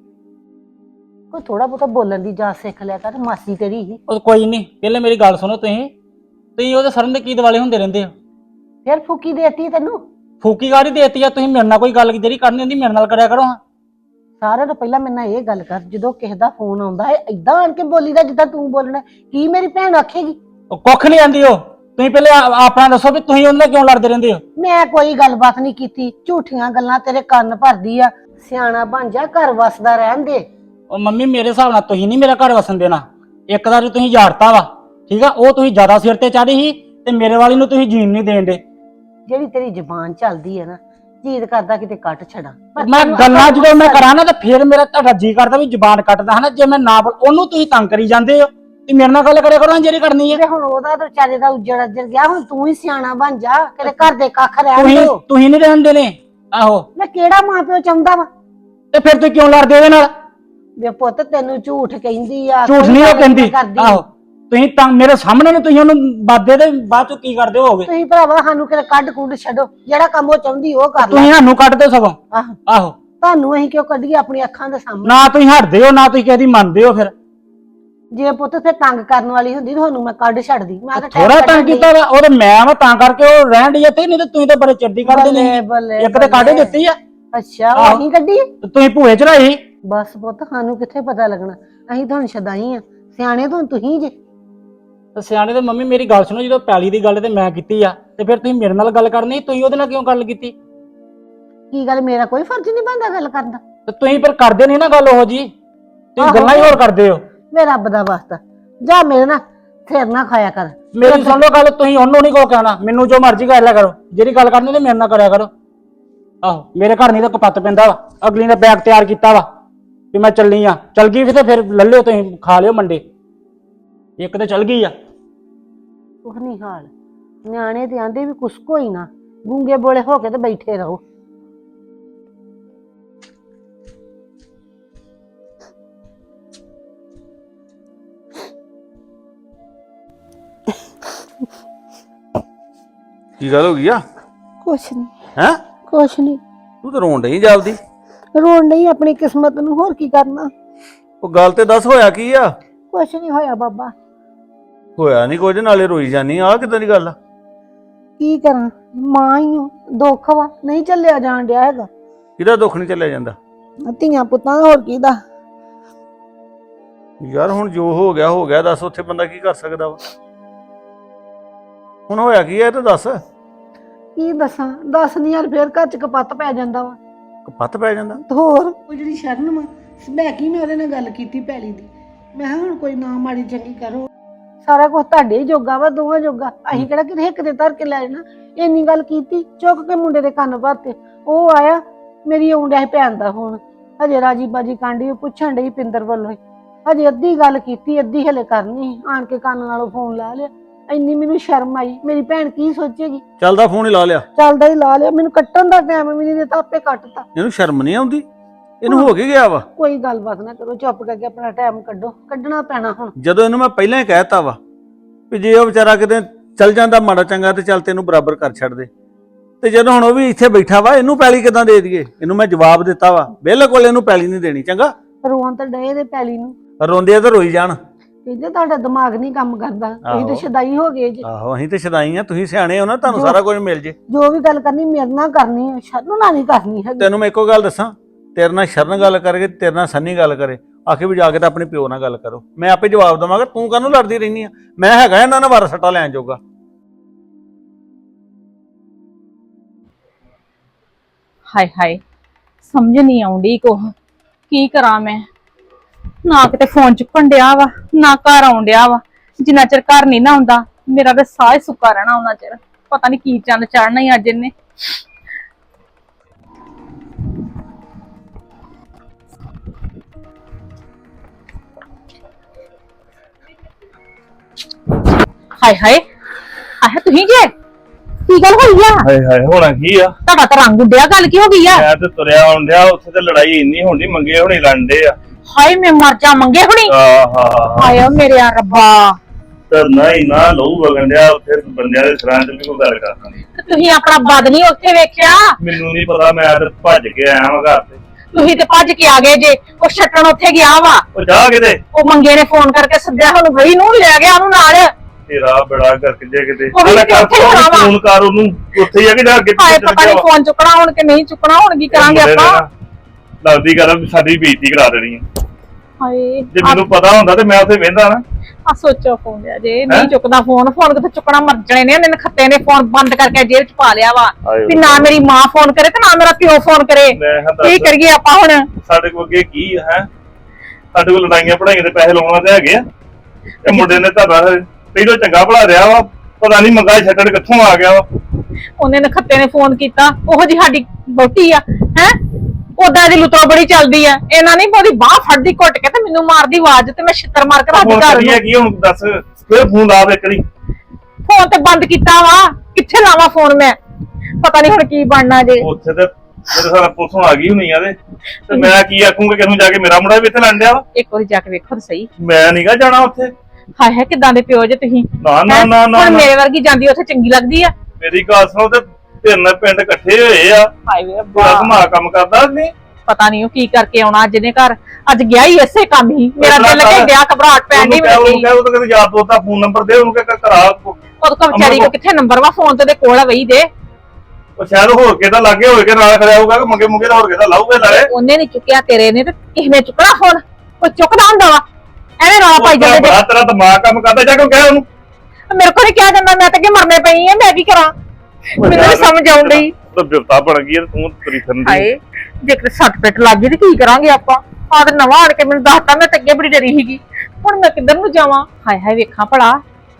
B: ਕੋਈ ਥੋੜਾ ਬਹੁਤਾ ਬੋਲਣ ਦੀ ਜਾਚ ਸਿੱਖ ਲਿਆ ਕਰ, ਮਾਸੀ ਤੇਰੀ ਹੀ।
F: ਉਹ ਕੋਈ ਨਹੀਂ, ਪਹਿਲੇ ਮੇਰੀ ਗੱਲ ਸੁਣੋ। ਤੁਸੀਂ ਉਹਦੇ ਸਰਨ ਦੇ ਕੀ ਦਿਵਾਲੇ ਹੁੰਦੇ ਰਹਿੰਦੇ ਹੋ?
B: ਫਿਰ ਫੂਕੀ ਦੇਤੀ ਤੈਨੂੰ।
F: ਫੂਕੀ ਗਾੜੀ ਦੇਤੀ ਆ ਤੁਸੀਂ? ਮੇਰੇ ਨਾਲ ਕੋਈ ਗੱਲ ਜਿਹੜੀ ਕਰਨੀ ਹੁੰਦੀ ਮੇਰੇ ਨਾਲ ਕਰਿਆ ਕਰੋ ਹਾਂ।
B: ਸਾਰਿਆਂ ਤੋਂ ਪਹਿਲਾਂ ਮੇਰੇ ਨਾਲ ਇਹ ਗੱਲ ਕਰ, ਜਦੋਂ ਕਿਸੇ ਦਾ ਫੋਨ ਆਉਂਦਾ ਹੈ ਏਦਾਂ ਆਣ ਕੇ ਬੋਲੀਦਾ ਜਿੱਦਾਂ ਤੂੰ ਬੋਲਣਾ, ਕੀ ਮੇਰੀ ਭੈਣ ਆਖੇਗੀ?
F: ਉਹ ਕੁੱਖ ਨਹੀਂ ਆਂਦੀ ਉਹ। ਤੁਸੀਂ ਪਹਿਲੇ ਆਪਣਾ ਦੱਸੋ ਵੀ ਤੁਸੀਂ ਉਹਨਾਂ ਨਾਲ ਕਿਉਂ ਲੜਦੇ ਰਹਿੰਦੇ ਹੋ?
B: ਮੈਂ ਕੋਈ ਗੱਲਬਾਤ ਨਹੀਂ ਕੀਤੀ, ਝੂਠੀਆਂ ਗੱਲਾਂ ਤੇਰੇ ਕੰਨ ਭਰਦੀ ਆ। ਸਿਆਣਾ ਬਣ ਜਾ, ਘਰ ਵਸਦਾ ਰਹਿਣ ਦੇ।
F: ਉਹ ਮੰਮੀ ਮੇਰੇ ਹਿਸਾਬ ਨਾਲ ਤੁਸੀਂ ਨਹੀਂ ਮੇਰਾ ਘਰ ਵਸਣ ਦੇਣਾ। ਇੱਕ ਵਾਰ ਤੁਸੀਂ ਯਾਰਤਾ ਵਾ, ਠੀਕ ਆ, ਉਹ ਤੁਸੀਂ ਜ਼ਿਆਦਾ ਸਿਰ ਤੇ ਚਾੜੀ ਸੀ ਤੇ ਮੇਰੇ ਵਾਲੀ ਨੂੰ ਤੁਸੀਂ ਜੀਣ ਨਹੀਂ ਦੇਣ ਦੇ।
B: ਜਿਹੜੀ ਤੇਰੀ ਜ਼ੁਬਾਨ ਚੱਲਦੀ ਹੈ ਨਾ, ਜੀਦ ਕਰਦਾ ਕਿਤੇ ਕੱਟ ਛੱਡਾਂ। ਪਰ
F: ਮੈਂ
B: ਤੈਨੂੰ
F: ਗੱਲਾਂ
B: ਅਕਲ
F: ਜਦੋਂ ਮੈਂ
B: ਨਹੀਂ।
F: ਕਰਾਂ ਨਾ ਤਾਂ ਫਿਰ ਮੇਰਾ ਤੁਹਾਡਾ ਜੀ ਕਰਦਾ ਵੀ ਜ਼ੁਬਾਨ ਕੱਟਦਾ ਹਨਾ। ਜੇ ਮੈਂ ਨਾ ਬੋਲ, ਉਹਨੂੰ ਤੁਸੀਂ ਤੰਗ ਕਰੀ ਜਾਂਦੇ ਹੋ ਤੇ ਮੇਰੇ ਨਾਲ ਗੱਲ ਕਰਿਆ ਕਰੋ ਜਿਹੜੀ ਕਰਨੀ ਹੈ।
B: ਤੇ ਹੁਣ ਉਹਦਾ ਤਾਂ ਵਿਚਾਰੇ ਦਾ ਉੱਜੜ ਅੱਜੜ ਗਿਆ, ਹੁਣ ਤੂੰ ਹੀ ਸਿਆਣਾ ਬਣ ਜਾ, ਕਿਤੇ ਘਰ ਦੇ ਕੱਖ ਰਹਿਣ ਦਿਓ।
F: ਤੁਸੀਂ ਨਹੀਂ ਰਹਿਣ ਦੇਣੇ। ਆਹੋ,
B: ਮੈਂ ਕਿਹੜਾ ਮਾਂ ਪਿਓ ਚਾਹੁੰਦਾ ਵਾ?
F: ਤੇ ਫਿਰ ਤੁਸੀਂ ਕਿਉਂ ਲੜਦੇ ਉਹਦੇ ਨਾਲ?
B: ਵੇ ਪੁੱਤ ਤੈਨੂੰ ਝੂਠ ਕਹਿੰਦੀ ਆ,
F: ਝੂਠ
B: ਕੋਈ
F: ਨਹੀਂ ਉਹ
B: ਗੱਲ
F: ਕਹਿੰਦੀ।
B: ਕਰਦੀ।
F: ਆਹੋ, ਤੁਸੀਂ ਤਾਂ ਮੇਰੇ ਸਾਹਮਣੇ ਨੂੰ ਤੁਸੀਂ ਉਹਨੂੰ ਬਾਦੇ ਦੇ ਬਾਅਦ ਚ ਕੀ ਕਰਦੇ ਹੋਗੇ?
B: ਤੁਸੀਂ ਭਰਾਵਾ ਸਾਨੂੰ ਕਿਤੇ ਕੱਢ ਕੁੱਢ ਛੱਡੋ, ਜਿਹੜਾ ਕੰਮ ਉਹ ਚਾਹੁੰਦੀ ਉਹ ਕਰ ਲੈ।
F: ਤੁਸੀਂ ਸਾਨੂੰ ਕੱਢਦੇ ਸਗੋਂ।
B: ਆਹੋ,
F: ਆਹੋ,
B: ਤੁਹਾਨੂੰ ਅਸੀਂ ਕਿਉਂ ਕੱਢੀਏ ਆਪਣੀ ਅੱਖਾਂ ਦੇ ਸਾਹਮਣੇ?
F: ਨਾ ਤੁਸੀਂ ਹਟਦੇ ਹੋ ਨਾ ਤੁਸੀਂ ਕਹਦੀ ਮੰਨਦੇ ਹੋ। ਫਿਰ
B: ਜੇ ਪੁੱਤ ਫਿਰ ਤੰਗ ਕਰਨ ਵਾਲੀ ਹੁੰਦੀ ਤੁਹਾਨੂੰ ਮੈਂ ਕੱਢ ਛੱਡਦੀ। ਮੈਂ ਤਾਂ
F: ਥੋੜਾ ਤੰਗ ਕੀਤਾ ਵਾ ਉਹ ਤੇ ਮੈਂ ਵਾ, ਤਾਂ ਕਰਕੇ ਉਹ ਰਹਿਣ ਦੀ ਇੱਥੇ। ਨਹੀਂ ਤੇ ਤੁਸੀਂ ਤਾਂ ਬੜੇ ਚਿਰਦੀ ਕੱਢਦੇ ਨਹੀਂ।
B: ਬੱਲੇ
F: ਇੱਕ ਤੇ ਕਾਢੇ ਦਿੱਤੀ ਆ,
B: ਅੱਛਾ, ਉਹ ਅਸੀਂ ਕੱਢੀ?
F: ਤੇ ਤੁਸੀਂ ਭੂਏ ਚੜਾਈ।
B: ਬਸ ਪੁੱਤ ਸਾਨੂੰ ਕਿੱਥੇ ਪਤਾ ਲੱਗਣਾ, ਅਸੀਂ ਤੁਹਾਨੂੰ ਛਦਾਈ ਆ, ਸਿਆਣੇ ਤੋਂ ਤੁਸੀਂ ਜੇ।
F: ਤੇ ਸਿਆਣੇ ਤੇ ਮੰਮੀ ਮੇਰੀ ਗੱਲ ਸੁਣੋ, ਜਦੋਂ ਪੈਲੀ ਦੀ ਗੱਲ ਤੇ ਮੈਂ ਕੀਤੀ ਆ ਤੇ ਫਿਰ ਤੁਸੀਂ ਮੇਰੇ ਨਾਲ ਗੱਲ ਕਰਨੀ, ਤੁਸੀਂ ਉਹਦੇ ਨਾਲ ਕਿਉਂ ਗੱਲ ਕੀਤੀ?
B: ਕੀ ਗੱਲ, ਮੇਰਾ ਕੋਈ ਫਰਜ਼ ਨਹੀਂ ਬਣਦਾ ਗੱਲ ਕਰਨ ਦਾ?
F: ਤੇ ਤੁਸੀਂ ਫਿਰ ਕਰਦੇ ਨਹੀਂ ਨਾ ਗੱਲ ਉਹ ਜੀ, ਤੁਸੀਂ ਗੱਲਾਂ ਹੀ ਹੋਰ ਕਰਦੇ ਹੋ।
B: ਵੇ ਰੱਬ ਦਾ ਵਾਸਤਾ ਜਾ, ਮੇਰੇ ਨਾਲ ਸਿਰ ਨਾ ਖਾਇਆ ਕਰ।
F: ਮੇਰੀ ਸੁਣ ਲਓ ਗੱਲ, ਤੁਸੀਂ ਉਹਨੂੰ ਨਹੀਂ ਕੋ ਕਹਿਣਾ, ਮੈਨੂੰ ਜੋ ਮਰਜ਼ੀ ਕਰ ਲਿਆ ਕਰੋ। ਜਿਹੜੀ ਗੱਲ ਕਰਨੀ ਤੇ ਮੇਰੇ ਨਾਲ ਕਰਿਆ ਕਰੋ। ਆਹੋ, ਮੇਰੇ ਘਰ ਨਹੀਂ ਤਾਂ ਕਪੱਤ ਪੈਂਦਾ ਵਾ। ਅਗਲੀ ਨੇ ਬੈਗ ਤਿਆਰ ਕੀਤਾ ਵਾ ਵੀ ਮੈਂ ਚੱਲਣੀ ਆ, ਚੱਲ ਗਈ ਵੀ ਤੇ ਫਿਰ ਲੈ ਲਿਓ ਤੁਸੀਂ, ਖਾ ਲਿਓ ਮੰਡੇ। ਇੱਕ ਤੇ ਚੱਲ ਗਈ ਆ।
B: ਕੁਛ ਨਹੀਂ ਹਾਲ, ਨਿਆਣੇ ਤੇ ਆਂਦੇ ਵੀ ਕੁਛ ਕੋਈ ਨਾ, ਗੂੰਗੇ ਬੋਲੇ ਹੋ ਕੇ ਤੇ ਬੈਠੇ ਰਹੋ।
H: ਕੀ ਗੱਲ ਹੋ ਗਈ ਆ?
B: ਕੁਛ ਨਹੀਂ,
H: ਹੈ
B: ਕੁਛ ਨਹੀਂ।
H: ਤੂੰ ਤਾਂ ਰੋਣ ਡਈ ਜਾਪਦੀ।
B: ਰੋਣ ਨਹੀਂ, ਆਪਣੀ ਕਿਸਮਤ ਨੂੰ, ਹੋਰ ਕੀ ਕਰਨਾ।
H: ਉਹ ਗੱਲ ਤੇ ਦੱਸ, ਹੋਇਆ ਕੀ ਆ?
B: ਕੁਛ ਨਹੀਂ ਹੋਇਆ ਬਾਬਾ।
H: ਹੋਇਆ ਨਹੀਂ ਕੁਝ, ਨਾਲੇ ਰੋਈ ਜਾਨੀ ਆ, ਕਿਦਾਂ ਦੀ ਗੱਲ ਆ?
B: ਕੀ ਕਰਾਂ, ਮਾਂ ਹੀ ਹਾਂ, ਦੁੱਖ ਵਾ, ਨਹੀਂ ਚੱਲਿਆ ਜਾਣ ਡਿਆ ਹੈਗਾ।
H: ਕਿਹਦਾ ਦੁੱਖ ਨਹੀਂ ਚੱਲਿਆ ਜਾਂਦਾ?
B: ਧੀਆਂ ਪੁੱਤਾਂ ਦਾ, ਹੋਰ ਕਿਹਦਾ?
H: ਯਾਰ ਹੁਣ ਜੋ ਹੋ ਗਿਆ ਹੋ ਗਿਆ, ਦੱਸ ਉੱਥੇ ਬੰਦਾ ਕੀ ਕਰ ਸਕਦਾ ਵਾ? ਹੁਣ ਹੋਇਆ ਕੀ ਆ ਇਹ ਤਾਂ ਦੱਸ।
B: ਕੀ ਦੱਸਾਂ, ਦੱਸ ਨਹੀਂ ਯਾਰ, ਫੇਰ ਘਰ ਚ ਕਪੱਤ ਪੈ ਜਾਂਦਾ ਵਾ।
H: ਕਪੱਤ ਪੈ ਜਾਂਦਾ?
B: ਤੇ ਹੋਰ ਉਹ ਜਿਹੜੀ ਸ਼ਰਨ ਵਾ, ਮੈਂ ਕੀ, ਮੈਂ ਉਹਦੇ ਨਾਲ ਗੱਲ ਕੀਤੀ ਪੈਲੀ ਦੀ, ਮੈਂ ਕਿਹਾ ਹੁਣ ਕੋਈ ਨਾ ਮਾੜੀ ਚੰਗੀ ਕਰੋ, ਸਾਰਾ ਕੁਝ ਤੁਹਾਡੇ ਹੀ ਜੋਗਾ ਵਾ, ਦੋਵਾਂ ਜੋਗਾ, ਅਸੀਂ ਕਿਹੜਾ ਕਿਤੇ ਇੱਕ ਦੇ ਧਰ ਕੇ ਲੈ ਜਾਣਾ। ਇੰਨੀ ਗੱਲ ਕੀਤੀ, ਚੁੱਕ ਕੇ ਮੁੰਡੇ ਦੇ ਕੰਨ ਭਰਤੇ। ਉਹ ਆਇਆ, ਮੇਰੀ ਆਉਂਦਿਆ ਸੀ ਭੈਣ ਦਾ ਫੋਨ, ਹਜੇ ਰਾਜੀ ਬਾਜੀ ਕਾਂਡੀ ਪੁੱਛਣ ਡਈ ਪਿੰਦਰ ਵੱਲੋਂ। ਹਜੇ ਅੱਧੀ ਗੱਲ ਕੀਤੀ, ਅੱਧੀ ਹਲੇ ਕਰਨੀ, ਆਣ ਕੇ ਕੰਨ ਨਾਲੋਂ ਫੋਨ ਲਾ ਲਿਆ। ਇੰਨੀ ਮੈਨੂੰ ਸ਼ਰਮ ਆਈ, ਮੇਰੀ ਭੈਣ ਕੀ ਸੋਚੇਗੀ।
H: ਚੱਲਦਾ ਫੋਨ ਹੀ ਲਾ ਲਿਆ?
B: ਚੱਲਦਾ ਹੀ ਲਾ ਲਿਆ, ਮੈਨੂੰ ਕੱਟਣ ਦਾ ਟਾਈਮ ਵੀ ਨਹੀਂ ਦਿੱਤਾ, ਆਪੇ ਕੱਟਤਾ।
H: ਇਹਨੂੰ ਸ਼ਰਮ ਨਹੀਂ ਆਉਂਦੀ? ਇਹਨੂੰ ਹੋ ਕੇ ਗਿਆ ਵਾ?
B: ਕੋਈ ਗੱਲਬਾਤ ਨਾ ਕਰੋ, ਚੁੱਪ ਕਰਕੇ ਆਪਣਾ ਟਾਈਮ ਕੱਢੋ, ਕੱਢਣਾ ਪੈਣਾ ਹੁਣ।
H: ਜਦੋਂ ਇਹਨੂੰ ਮੈਂ ਪਹਿਲਾਂ ਹੀ ਕਹਿਤਾ ਵਾ ਵੀ ਜੇ ਉਹ ਵਿਚਾਰਾ ਕਿਤੇ ਚੱਲ ਜਾਂਦਾ ਮਾੜਾ ਚੰਗਾ ਤੇ ਚੱਲ ਤੈਨੂੰ ਬਰਾਬਰ ਕਰ ਛੱਡ ਦੇ, ਤੇ ਜਦੋਂ ਹੁਣ ਉਹ ਵੀ ਇੱਥੇ ਬੈਠਾ ਵਾ, ਇਹਨੂੰ ਪੈਲੀ ਕਿਦਾਂ ਦੇ ਦਈਏ? ਇਹਨੂੰ ਮੈਂ ਜਵਾਬ ਦਿੱਤਾ ਵਾ, ਬਿਲਕੁਲ ਇਹਨੂੰ ਪੈਲੀ ਨਹੀਂ ਦੇਣੀ। ਚੰਗਾ,
B: ਰੋਣ ਤਾਂ ਡਏ ਦੇ ਪੈਲੀ ਨੂੰ,
H: ਰੋਂਦੇ ਆ ਤਾਂ ਰੋਈ ਜਾਣ।
B: ਕਹਿੰਦੇ ਤੁਹਾਡਾ ਦਿਮਾਗ ਨਹੀਂ ਕੰਮ ਕਰਦਾ, ਤੁਸੀਂ
H: ਆਹੋ।
B: ਤਾਂ ਸ਼ਦਾਈ ਹੋ ਗਏ ਜੀ।
H: ਆਹੋ, ਅਸੀਂ ਤੇ ਸ਼ਦਾਈ ਆ, ਤੁਸੀਂ ਸਿਆਣੇ ਹੋ ਨਾ, ਤੁਹਾਨੂੰ ਸਾਰਾ ਕੁਝ ਮਿਲ ਜੇ।
B: ਜੋ ਵੀ ਗੱਲ ਕਰਨੀ ਮੇਰੇ ਨਾਲ ਕਰਨੀ ਹੈ, ਸ਼ਰਨ ਨਾਲ ਨਹੀਂ ਕਰਨੀ ਹੈਗੀ।
H: ਤੈਨੂੰ ਮੈਂ ਇੱਕੋ ਗੱਲ ਦੱਸਾਂ, ਤੇਰੇ ਨਾਲ ਸ਼ਰਨ ਗੱਲ ਕਰਕੇ, ਤੇਰੇ ਨਾਲ ਸੰਨੀ ਗੱਲ ਕਰੇ, ਆਖੇ ਵੀ ਜਾ ਕੇ ਤਾਂ ਆਪਣੇ ਪਿਓ ਨਾਲ ਗੱਲ ਕਰੋ, ਮੈਂ ਆਪੇ ਜਵਾਬ ਦੇਵਾਂਗਾ। ਤੂੰ ਕਾਹਨੂੰ ਲੜਦੀ ਰਹਿਨੀ ਆ? ਮੈਂ ਹੈਗਾ ਇਹਨਾਂ ਨਾਲ ਵਾਰ ਸੱਟਾ ਲੈਣ ਜੋਗਾ।
G: ਹਾਏ ਹਾਏ, ਸਮਝ ਨਹੀਂ ਆਉਂਦੀ ਕੁਛ, ਕੀ ਕਰਾਂ ਮੈਂ? ਨਾ ਕਿਤੇ ਫੋਨ ਚੁੱਕਣ ਡਿਆ ਵਾ, ਨਾ ਘਰ ਆਉਣ ਡਿਆ ਵਾ। ਜਿੰਨਾ ਚਿਰ ਘਰ ਨਹੀਂ ਨਾ ਆਉਂਦਾ, ਮੇਰਾ ਤਾਂ ਸਾਹ ਹੀ ਸੁੱਕਾ ਰਹਿਣਾ ਉਹਨਾਂ ਚਿਰ। ਪਤਾ ਨਹੀਂ ਕੀ ਚੰਨ ਚੜਨਾ ਹੀ ਅੱਜ ਇਹਨੇ। ਹਾਏ ਹਾਏ ਆਹ ਤੁਸੀਂ ਜੇ ਕੀ ਗੱਲ ਹੋਈ ਆ?
I: ਹਾਏ ਹਾਏ ਹੋਣਾ ਕੀ ਆ?
G: ਤੁਹਾਡਾ ਤਾਂ ਰੰਗ ਉੱਡਿਆ, ਗੱਲ ਕੀ ਹੋ ਗਈ ਆ?
I: ਮੈਂ ਤੇ ਤੁਰਿਆ ਆਉਂਦਿਆ ਉੱਥੇ ਤੇ ਲੜਾਈ ਇੰਨੀ ਹੁੰਦੀ, ਮੰਗੇ ਹੋਣੀ ਲੜਦੇ ਆ।
G: ਹਾਏ ਮੈਂ ਮਰ ਜਾ, ਮੰਗੇ ਹੁਣੀ।
I: ਆਹਾ
G: ਹਾਏ ਓ ਮੇਰੇ ਰੱਬਾ,
I: ਤੇ ਨਹੀਂ ਨਾ ਲਹੂ ਵਗਣ ਡਿਆ ਉੱਥੇ ਬੰਦਿਆਂ ਦੇ ਸਿਰਾਂ ਤੇ ਵੀ ਕੋਈ ਗੱਲ ਕਰਦਾ ਨੀ।
G: ਤੁਸੀਂ ਆਪਣਾ ਬਦ ਨਹੀਂ ਉੱਥੇ ਵੇਖਿਆ?
I: ਮੈਨੂੰ ਨਹੀਂ ਪਤਾ, ਮੈਂ ਤੇ ਭੱਜ ਕੇ ਆਇਆ ਵਾਂ ਘਰ ਤੇ।
G: ਤੁਸੀਂ ਤੇ ਭੱਜ ਕੇ ਆ ਗਏ ਜੇ। ਉਹ ਛੱਟਣ ਉੱਥੇ ਗਿਆ ਵਾ,
I: ਉਹ ਜਾ ਕਿਤੇ
G: ਉਹ ਮੰਗੇ ਨੇ ਫੋਨ ਕਰਕੇ ਸੱਦਿਆ, ਹੁਣ ਗਈ ਨੂੰ ਲੈ ਗਿਆ ਉਹਨੂੰ ਨਾਲ।
I: ਤੇਰਾ ਬੜਾ ਕਰਕੇ ਜੇ ਕਿਤੇ
G: ਉਹ ਵੀ
I: ਕਰ
G: ਉੱਥੇ ਹੋਣਾ ਵਾ।
I: ਫੋਨ ਕਰ ਉਹਨੂੰ, ਉੱਥੇ ਹੀ ਆ ਕਿ ਜਾ ਅੱਗੇ
G: ਹਾਏ ਪਤਾ ਨਹੀਂ ਫੋਨ ਚੁੱਕਣਾ ਹੁਣ ਕਿ ਨਹੀਂ ਚੁੱਕਣਾ, ਹੁਣ ਕੀ ਕਰਾਂਗੇ ਆਪਾਂ?
I: ਲੱਗਦੀ ਗੱਲ ਸਾਡੀ ਬੇਇੱਜ਼ਤੀ ਕਰਾ ਦੇਣੀ ਆ।
G: ਹਾਏ
I: ਜੇ ਮੈਨੂੰ ਪਤਾ ਹੁੰਦਾ ਤੇ ਮੈਂ ਉੱਥੇ ਵਹਿੰਦਾ ਨਾ।
G: ਆ ਸੋਚੋ ਫੋਨ ਲਿਆ ਜੇ ਨਹੀਂ ਚੁੱਕਦਾ ਫੋਨ ਕਿੱਥੇ ਚੁੱਕਣਾ, ਮਰ ਜਣੇ ਨੇ ਇਹਨੇ ਖੱਤੇ ਨੇ ਫੋਨ ਬੰਦ ਕਰਕੇ ਜੇਬ ਚ ਪਾ ਲਿਆ ਵਾ ਵੀ ਨਾ ਮੇਰੀ ਮਾਂ ਫੋਨ ਕਰੇ ਤੇ ਨਾ ਮੇਰਾ ਪਿਓ ਫੋਨ ਕਰੇ। ਕੀ ਕਰੀਏ ਆਪਾਂ ਹੁਣ?
I: ਸਾਡੇ ਕੋਲ ਅੱਗੇ ਕੀ ਹੈ? ਸਾਡੇ ਕੋਲ ਲੜਾਈਆਂ ਪੜਾਈਆਂ ਦੇ ਪੈਸੇ ਲਾਉਣਾ ਤੇ ਹੈਗੇ ਆ। ਇਹ ਮੁੰਡੇ ਨੇ ਤਾਂ ਪਹਿਲੋਂ ਚੰਗਾ ਭਲਾ ਰਿਹਾ ਵਾ, ਪਤਾ ਨਹੀਂ ਮੰਗਾ ਛੱਡਣ ਕਿੱਥੋਂ ਆ ਗਿਆ ਵਾ।
G: ਉਹਨੇ ਨਖੱਤੇ ਨੇ ਫੋਨ ਕੀਤਾ, ਉਹੋ ਜੀ ਸਾਡੀ ਬੋਟੀ ਆ ਹੈ, ਉਦਾਂ ਦੀ ਲੁੱਤਰੋ ਬੜੀ ਚੱਲਦੀ ਆ। ਇਹਨਾਂ ਨਹੀਂ ਉਹਦੀ ਬਾਹ ਫੜਦੀ ਘੁੱਟ ਕੇ ਤੇ ਮੈਨੂੰ ਮਾਰਦੀ ਆਵਾਜ਼ ਤੇ ਮੈਂ ਛਿੱਤਰ ਮਾਰ ਕੇ ਰੱਖ ਘਰ ਨੂੰ।
I: ਕੀ ਹੁਣ ਦੱਸ, ਫਿਰ ਫੋਨ ਲਾ ਦੇ ਕਰੀ।
G: ਫੋਨ ਤੇ ਬੰਦ ਕੀਤਾ ਵਾ, ਕਿੱਥੇ ਲਾਵਾਂ ਫੋਨ ਮੈਂ? ਪਤਾ ਨਹੀਂ ਹੁਣ ਕੀ ਬਣਨਾ ਜੇ।
I: ਉੱਥੇ ਤੇ ਮੇਰੇ ਸਾਰਾ ਪੁਲਿਸ ਆ ਗਈ ਹੋਣੀ ਆ ਤੇ ਮੈਂ ਕੀ ਆਖੂੰਗਾ ਕਿਹਨੂੰ ਜਾ ਕੇ ਮੇਰਾ ਮੁੰਡਾ ਵੀ ਇੱਥੇ ਲੜ ਲਿਆ ਵਾ।
G: ਇੱਕ ਵਾਰੀ ਜਾ ਕੇ ਵੇਖੋ ਤਾਂ ਸਹੀ।
I: ਮੈਂ ਨਹੀਂਗਾ ਜਾਣਾ ਉੱਥੇ।
G: ਹਾਏ ਹਾਏ ਕਿਦਾਂ ਦੇ ਪਿਓ ਜੇ ਤੁਸੀਂ।
I: ਨਾ ਨਾ ਨਾ ਨਾ,
G: ਹੁਣ ਮੇਰੇ ਵਰਗੀ ਜਾਂਦੀ ਉੱਥੇ ਚੰਗੀ ਲੱਗਦੀ ਆ?
I: ਮੇਰੀ ਗੱਲ ਸੁਣੋ, ਤੇ ਤਿੰਨ ਪਿੰਡ ਇਕੱਠੇ ਹੋਏ ਆ,
G: ਹਾਏ ਵੇ
I: ਬੜਾ ਧਮਾ ਕੰਮ ਕਰਦਾ ਨਹੀਂ।
G: ਪਤਾ ਨਹੀਂ ਉਹ ਕੀ ਕਰਕੇ ਆਉਣਾ ਅੱਜ ਨੇ ਘਰ। ਅੱਜ ਗਿਆ ਹੀ ਇਸੇ ਕੰਮ ਹੀ, ਮੇਰਾ ਦਿਲ ਲੱਗੇ ਗਿਆ, ਘਬਰਾਹਟ ਪੈਣ ਦੀ ਮੈਨੂੰ।
I: ਉਹਨੂੰ ਕਹਿ, ਉਹ ਤਾਂ ਕਿਤੇ ਯਾਰ ਦੋਸਤ ਦਾ ਫੋਨ ਨੰਬਰ ਦੇ, ਉਹਨੂੰ ਕਹਿ ਕਰਾ।
G: ਉਹਦੇ ਕੋਲ ਵਿਚਾਰੀ ਕੋ ਕਿੱਥੇ ਨੰਬਰ ਵਾ, ਫੋਨ ਤੇ ਕੋਲ ਆ ਵਈ ਦੇ।
I: ਉਹ ਸ਼ਾਇਦ ਹੋਰ ਕਿਹਦਾ ਲਾਗੇ ਹੋਏ ਕੇ ਨਾਲ ਖੜਿਆ ਹੋਊਗਾ, ਕਿ ਮੰਗੇ ਮੁੰਗੇ ਦਾ ਹੋਰ ਕਿਹਦਾ ਲਾਊਗਾ ਨਾਲੇ।
G: ਉਹਨੇ ਨਹੀਂ ਚੁੱਕਿਆ, ਤੇਰੇ ਨੇ, ਤੇ ਕਿਸੇ ਨੇ ਚੁੱਕਣਾ ਫੋਨ? ਉਹ ਚੁੱਕਦਾ ਹੁੰਦਾ ਵਾ, ਐਵੇਂ ਰੌਲਾ ਪਾਈ ਜਾਂਦੇ ਜੇ।
I: ਬੜਾ ਤੇਰਾ ਦਿਮਾਗ ਕੰਮ ਕਰਦਾ, ਜਾ ਕੇ ਕਹਿ ਉਹਨੂੰ।
G: ਮੇਰੇ ਕੋਲ ਨਹੀਂ ਕਿਹਾ ਜਾਂਦਾ, ਮੈਂ ਤਾਂ ਕਿ ਮਰਨੇ ਪਈ ਆ, ਮੈਂ ਕੀ ਕਰਾਂ? ਮੈਨੂੰ ਨੀ ਸਮਝ ਆਉਣ ਡਈ।
I: ਤਾਂ ਬਿਪਤਾ ਬਣ ਗਈ, ਤੂੰ ਤੇਰੀ ਫਿਰਦੀ।
G: ਹਾਏ ਜੇਕਰ ਸੱਟ ਪਿੱਟ ਲੱਗ ਗਈ ਤੇ ਕੀ ਕਰਾਂਗੇ ਆਪਾਂ? ਆਹ ਤੇ ਨਵਾਂ ਆਣ ਕੇ ਮੈਨੂੰ ਦੱਸਤਾ, ਮੈਂ ਤਾਂ ਅੱਗੇ ਬੜੀ ਡਰੀ ਸੀਗੀ। ਹੁਣ ਮੈਂ ਕਿੱਧਰ ਨੂੰ ਜਾਵਾਂ? ਹਾਏ ਹਾਏ ਵੇਖਾਂ ਭਲਾ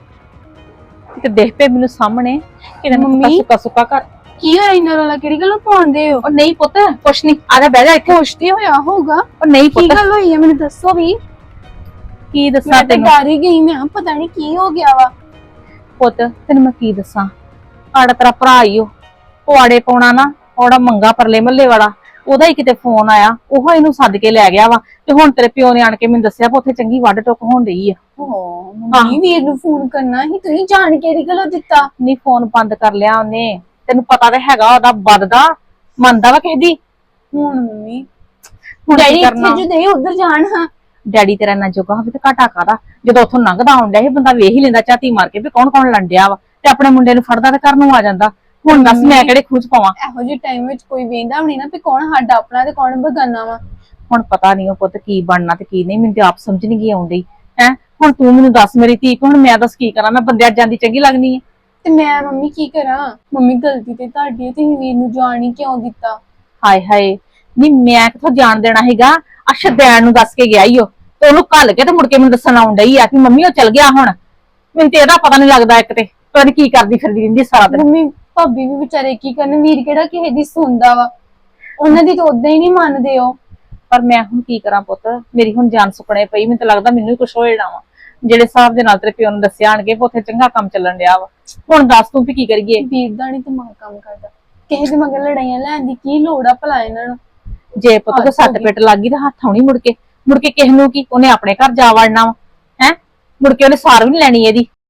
G: ਤੇ ਦੇਖ ਪਏ ਮੈਨੂੰ ਸਾਹਮਣੇ ਕਿਹਨਾਂ ਨੂੰ ਸੁੱਕਾ ਸੁੱਕਾ ਕਰ।
D: ਕੀ ਹੋਇਆ ਇਹਨਾਂ ਵਾਲਾ, ਕਿਹੜੀ ਗੱਲੋਂ ਪਾਉਂਦੇ ਹੋ?
G: ਉਹ ਨਹੀਂ ਪੁੱਤ ਕੁਛ ਨਹੀਂ, ਆ ਜਾ ਬਹਿ ਜਾ ਇੱਥੇ।
D: ਕੁਛ ਤੇ ਹੋਇਆ ਹੋਊਗਾ।
G: ਉਹ ਨਹੀਂ
D: ਕੀ
G: ਪੁੱਤ,
D: ਗੱਲ ਹੋਈ ਹੈ ਮੈਨੂੰ ਦੱਸੋ ਵੀ।
G: ਕੀ ਦੱਸਾਂ
D: ਮੈਂ ਤਾਂ
G: ਤੈਨੂੰ?
D: ਡਰ ਹੀ ਗਈ, ਮੈਂ ਪਤਾ ਨਹੀਂ ਕੀ ਹੋ ਗਿਆ ਵਾ।
G: ਪੁੱਤ ਤੈਨੂੰ ਮੈਂ ਕੀ ਦੱਸਾਂ, ਆੜਾ ਤੇਰਾ ਭਰਾ ਹੀ ਉਹ ਆੜੇ ਪਾਉਣਾ ਨਾ, ਉਹਦਾ ਮੰਗਾ ਪਰਲੇ ਮੱਲੇ ਵਾਲਾ, ਉਹਦਾ ਹੀ ਕਿਤੇ ਫੋਨ ਆਇਆ, ਉਹ ਇਹਨੂੰ ਸੱਦ ਕੇ ਲੈ ਗਿਆ ਵਾ। ਤੇ ਹੁਣ ਤੇਰੇ ਪਿਓ ਨੇ ਆਣ ਕੇ ਮੈਨੂੰ ਦੱਸਿਆ ਉੱਥੇ ਚੰਗੀ ਵੱਢ ਟੁੱਕ ਹੋਣ ਡਈ ਆ।
D: ਮੰਮੀ ਵੀਰ ਨੂੰ ਫੋਨ ਕਰਨਾ ਸੀ, ਤੁਸੀਂ ਜਾਣ ਕਿਹੜੀ ਗੱਲੋਂ ਦਿੱਤਾ?
G: ਨਹੀਂ ਫੋਨ ਬੰਦ ਕਰ ਲਿਆ ਉਹਨੇ, ਤੈਨੂੰ ਪਤਾ ਤਾਂ ਹੈਗਾ ਉਹਦਾ ਵੱਧਦਾ ਮੰਨਦਾ ਵਾ ਕਿਸੇ ਦੀ।
D: ਹੁਣ ਮੰਮੀ
G: ਹੁਣ
D: ਡੈਡੀ
G: ਕੀ ਕਰਨਾ?
D: ਇੱਥੇ ਜਦੇ ਉਧਰ ਜਾਣ। ਹਾਂ
G: ਡੈਡੀ ਤੇਰਾ ਨਾ ਜੋਗਾ ਹੋਵੇ ਤੇ ਘਾਟਾ ਕਾਦਾ, ਜਦੋਂ ਉੱਥੋਂ ਲੰਘਦਾ ਆਉਣ ਡਿਆ ਇਹ ਬੰਦਾ ਵੇਖ ਹੀ ਲੈਂਦਾ ਝਾਤੀ ਮਾਰ ਕੇ ਵੀ ਕੌਣ ਕੌਣ ਲੰਡਿਆ ਵਾ, ਤੇ ਆਪਣੇ ਮੁੰਡੇ ਨੂੰ ਫੜਦਾ ਤੇ ਘਰ ਨੂੰ ਆ ਜਾਂਦਾ। ਹੁਣ ਦੱਸ ਮੈਂ ਕਿਹੜੇ ਖੂਚ ਪਾਵਾਂ?
D: ਇਹੋ ਜਿਹੇ ਟਾਈਮ ਵਿੱਚ ਕੋਈ ਵੇਂਦਾ ਵੀ ਨਹੀਂ ਨਾ ਵੀ ਕੌਣ ਸਾਡਾ ਆਪਣਾ ਤੇ ਕੌਣ ਬਗਾਨਾ ਵਾ।
G: ਹੁਣ ਪਤਾ ਨਹੀਂ ਉਹ ਪੁੱਤ ਕੀ ਬਣਨਾ ਤੇ ਕੀ ਨਹੀਂ, ਮੈਨੂੰ ਤੇ ਆਪ ਸਮਝ ਨਹੀਂ ਗਈ ਆਉਂਦੀ ਹੈ। ਹੁਣ ਤੂੰ ਮੈਨੂੰ ਦੱਸ ਮੇਰੀ ਧੀ, ਹੁਣ ਮੈਂ ਦੱਸ ਕੀ ਕਰਾਂ? ਮੈਂ ਬੰਦਿਆਂ ਜਾਂਦੀ ਚੰਗੀ ਲੱਗਦੀ ਹੈ?
D: ਤੇ ਮੈਂ ਮੰਮੀ ਕੀ ਕਰਾਂ? ਮੰਮੀ ਗਲਤੀ ਤੇ ਤੁਹਾਡੀ ਹੈ, ਤੁਸੀਂ ਵੀਰ ਨੂੰ ਜਾਣ ਹੀ ਕਿਉਂ ਦਿੱਤਾ?
G: ਹਾਏ ਹਾਏ ਨਹੀਂ ਮੈਂ ਕਿੱਥੋਂ ਜਾਣ ਦੇਣਾ ਹੈਗਾ? ਆ ਸ਼ਦੈਣ ਨੂੰ ਦੱਸ ਕੇ ਗਿਆ ਈ ਉਹ, ਤੇ ਉਹਨੂੰ ਘੱਲ ਕੇ ਤੇ ਮੁੜ ਕੇ ਮੈਨੂੰ ਦੱਸਣ ਆਉਣ ਡਈ ਆ ਕਿ ਮੰਮੀ ਉਹ ਚਲ ਗਿਆ। ਹੁਣ ਮੈਨੂੰ ਤੇ ਇਹਦਾ ਪਤਾ ਨਹੀਂ ਲੱਗਦਾ, ਇੱਕ ਤੇ ਪਤਾ ਨੀ ਕੀ ਕਰਦੀ ਫਿਰਦੀ ਰਹਿੰਦੀ ਸਾਰਾ ਦਿਨ।
D: ਮੰਮੀ ਭਾਬੀ ਵੀ ਵਿਚਾਰੇ ਕੀ ਕਰਨ, ਵੀਰ ਕਿਹੜਾ ਕਿਸੇ ਦੀ ਸੁਣਦਾ ਵਾ, ਉਹਨਾਂ ਦੀ ਤਾਂ ਉਦਾਂ ਹੀ ਨਹੀਂ ਮੰਨਦੇ ਉਹ।
G: ਪਰ ਮੈਂ ਹੁਣ ਕੀ ਕਰਾਂ ਪੁੱਤ, ਮੇਰੀ ਹੁਣ ਜਾਨ ਸੁਪਨੇ ਪਈ, ਮੈਨੂੰ ਤਾਂ ਲੱਗਦਾ ਮੈਨੂੰ ਹੀ ਕੁਛ ਹੋ ਜਾਣਾ ਵਾ। ਜਿਹੜੇ ਹਿਸਾਬ ਦੇ ਨਾਲ ਤੇਰੇ ਪਿਓ ਨੂੰ ਦੱਸਿਆ ਆਣਗੇ ਉੱਥੇ ਚੰਗਾ ਕੰਮ ਚੱਲਣ ਡਿਆ ਵਾ। ਹੁਣ ਦੱਸ ਤੂੰ ਵੀ ਕੀ ਕਰੀਏ?
D: ਵੀਰ ਦਾ ਨਹੀਂ ਦਿਮਾਗ ਕੰਮ ਕਰਦਾ, ਕਿਸੇ ਦੇ ਮਗਰ ਲੜਾਈਆਂ ਲੈਣ ਦੀ ਕੀ ਲੋੜ ਆ ਭਲਾ ਇਹਨਾਂ ਨੂੰ?
G: ਜੇ ਪੁੱਤ ਕੋ ਸੱਟ ਪਿੱਟ ਲੱਗ ਗਈ ਤਾਂ ਹੱਥ ਆਉਣੀ ਮੁੜ ਕੇ ਕਿਸੇ ਨੂੰ ਕੀ, ਉਹਨੇ ਆਪਣੇ ਘਰ ਜਾ ਵੜਨਾ ਵਾ ਹੈ, ਮੁੜ ਕੇ ਉਹਨੇ ਸਾਰ ਵੀ ਨੀ ਲੈਣੀ ਇਹਦੀ।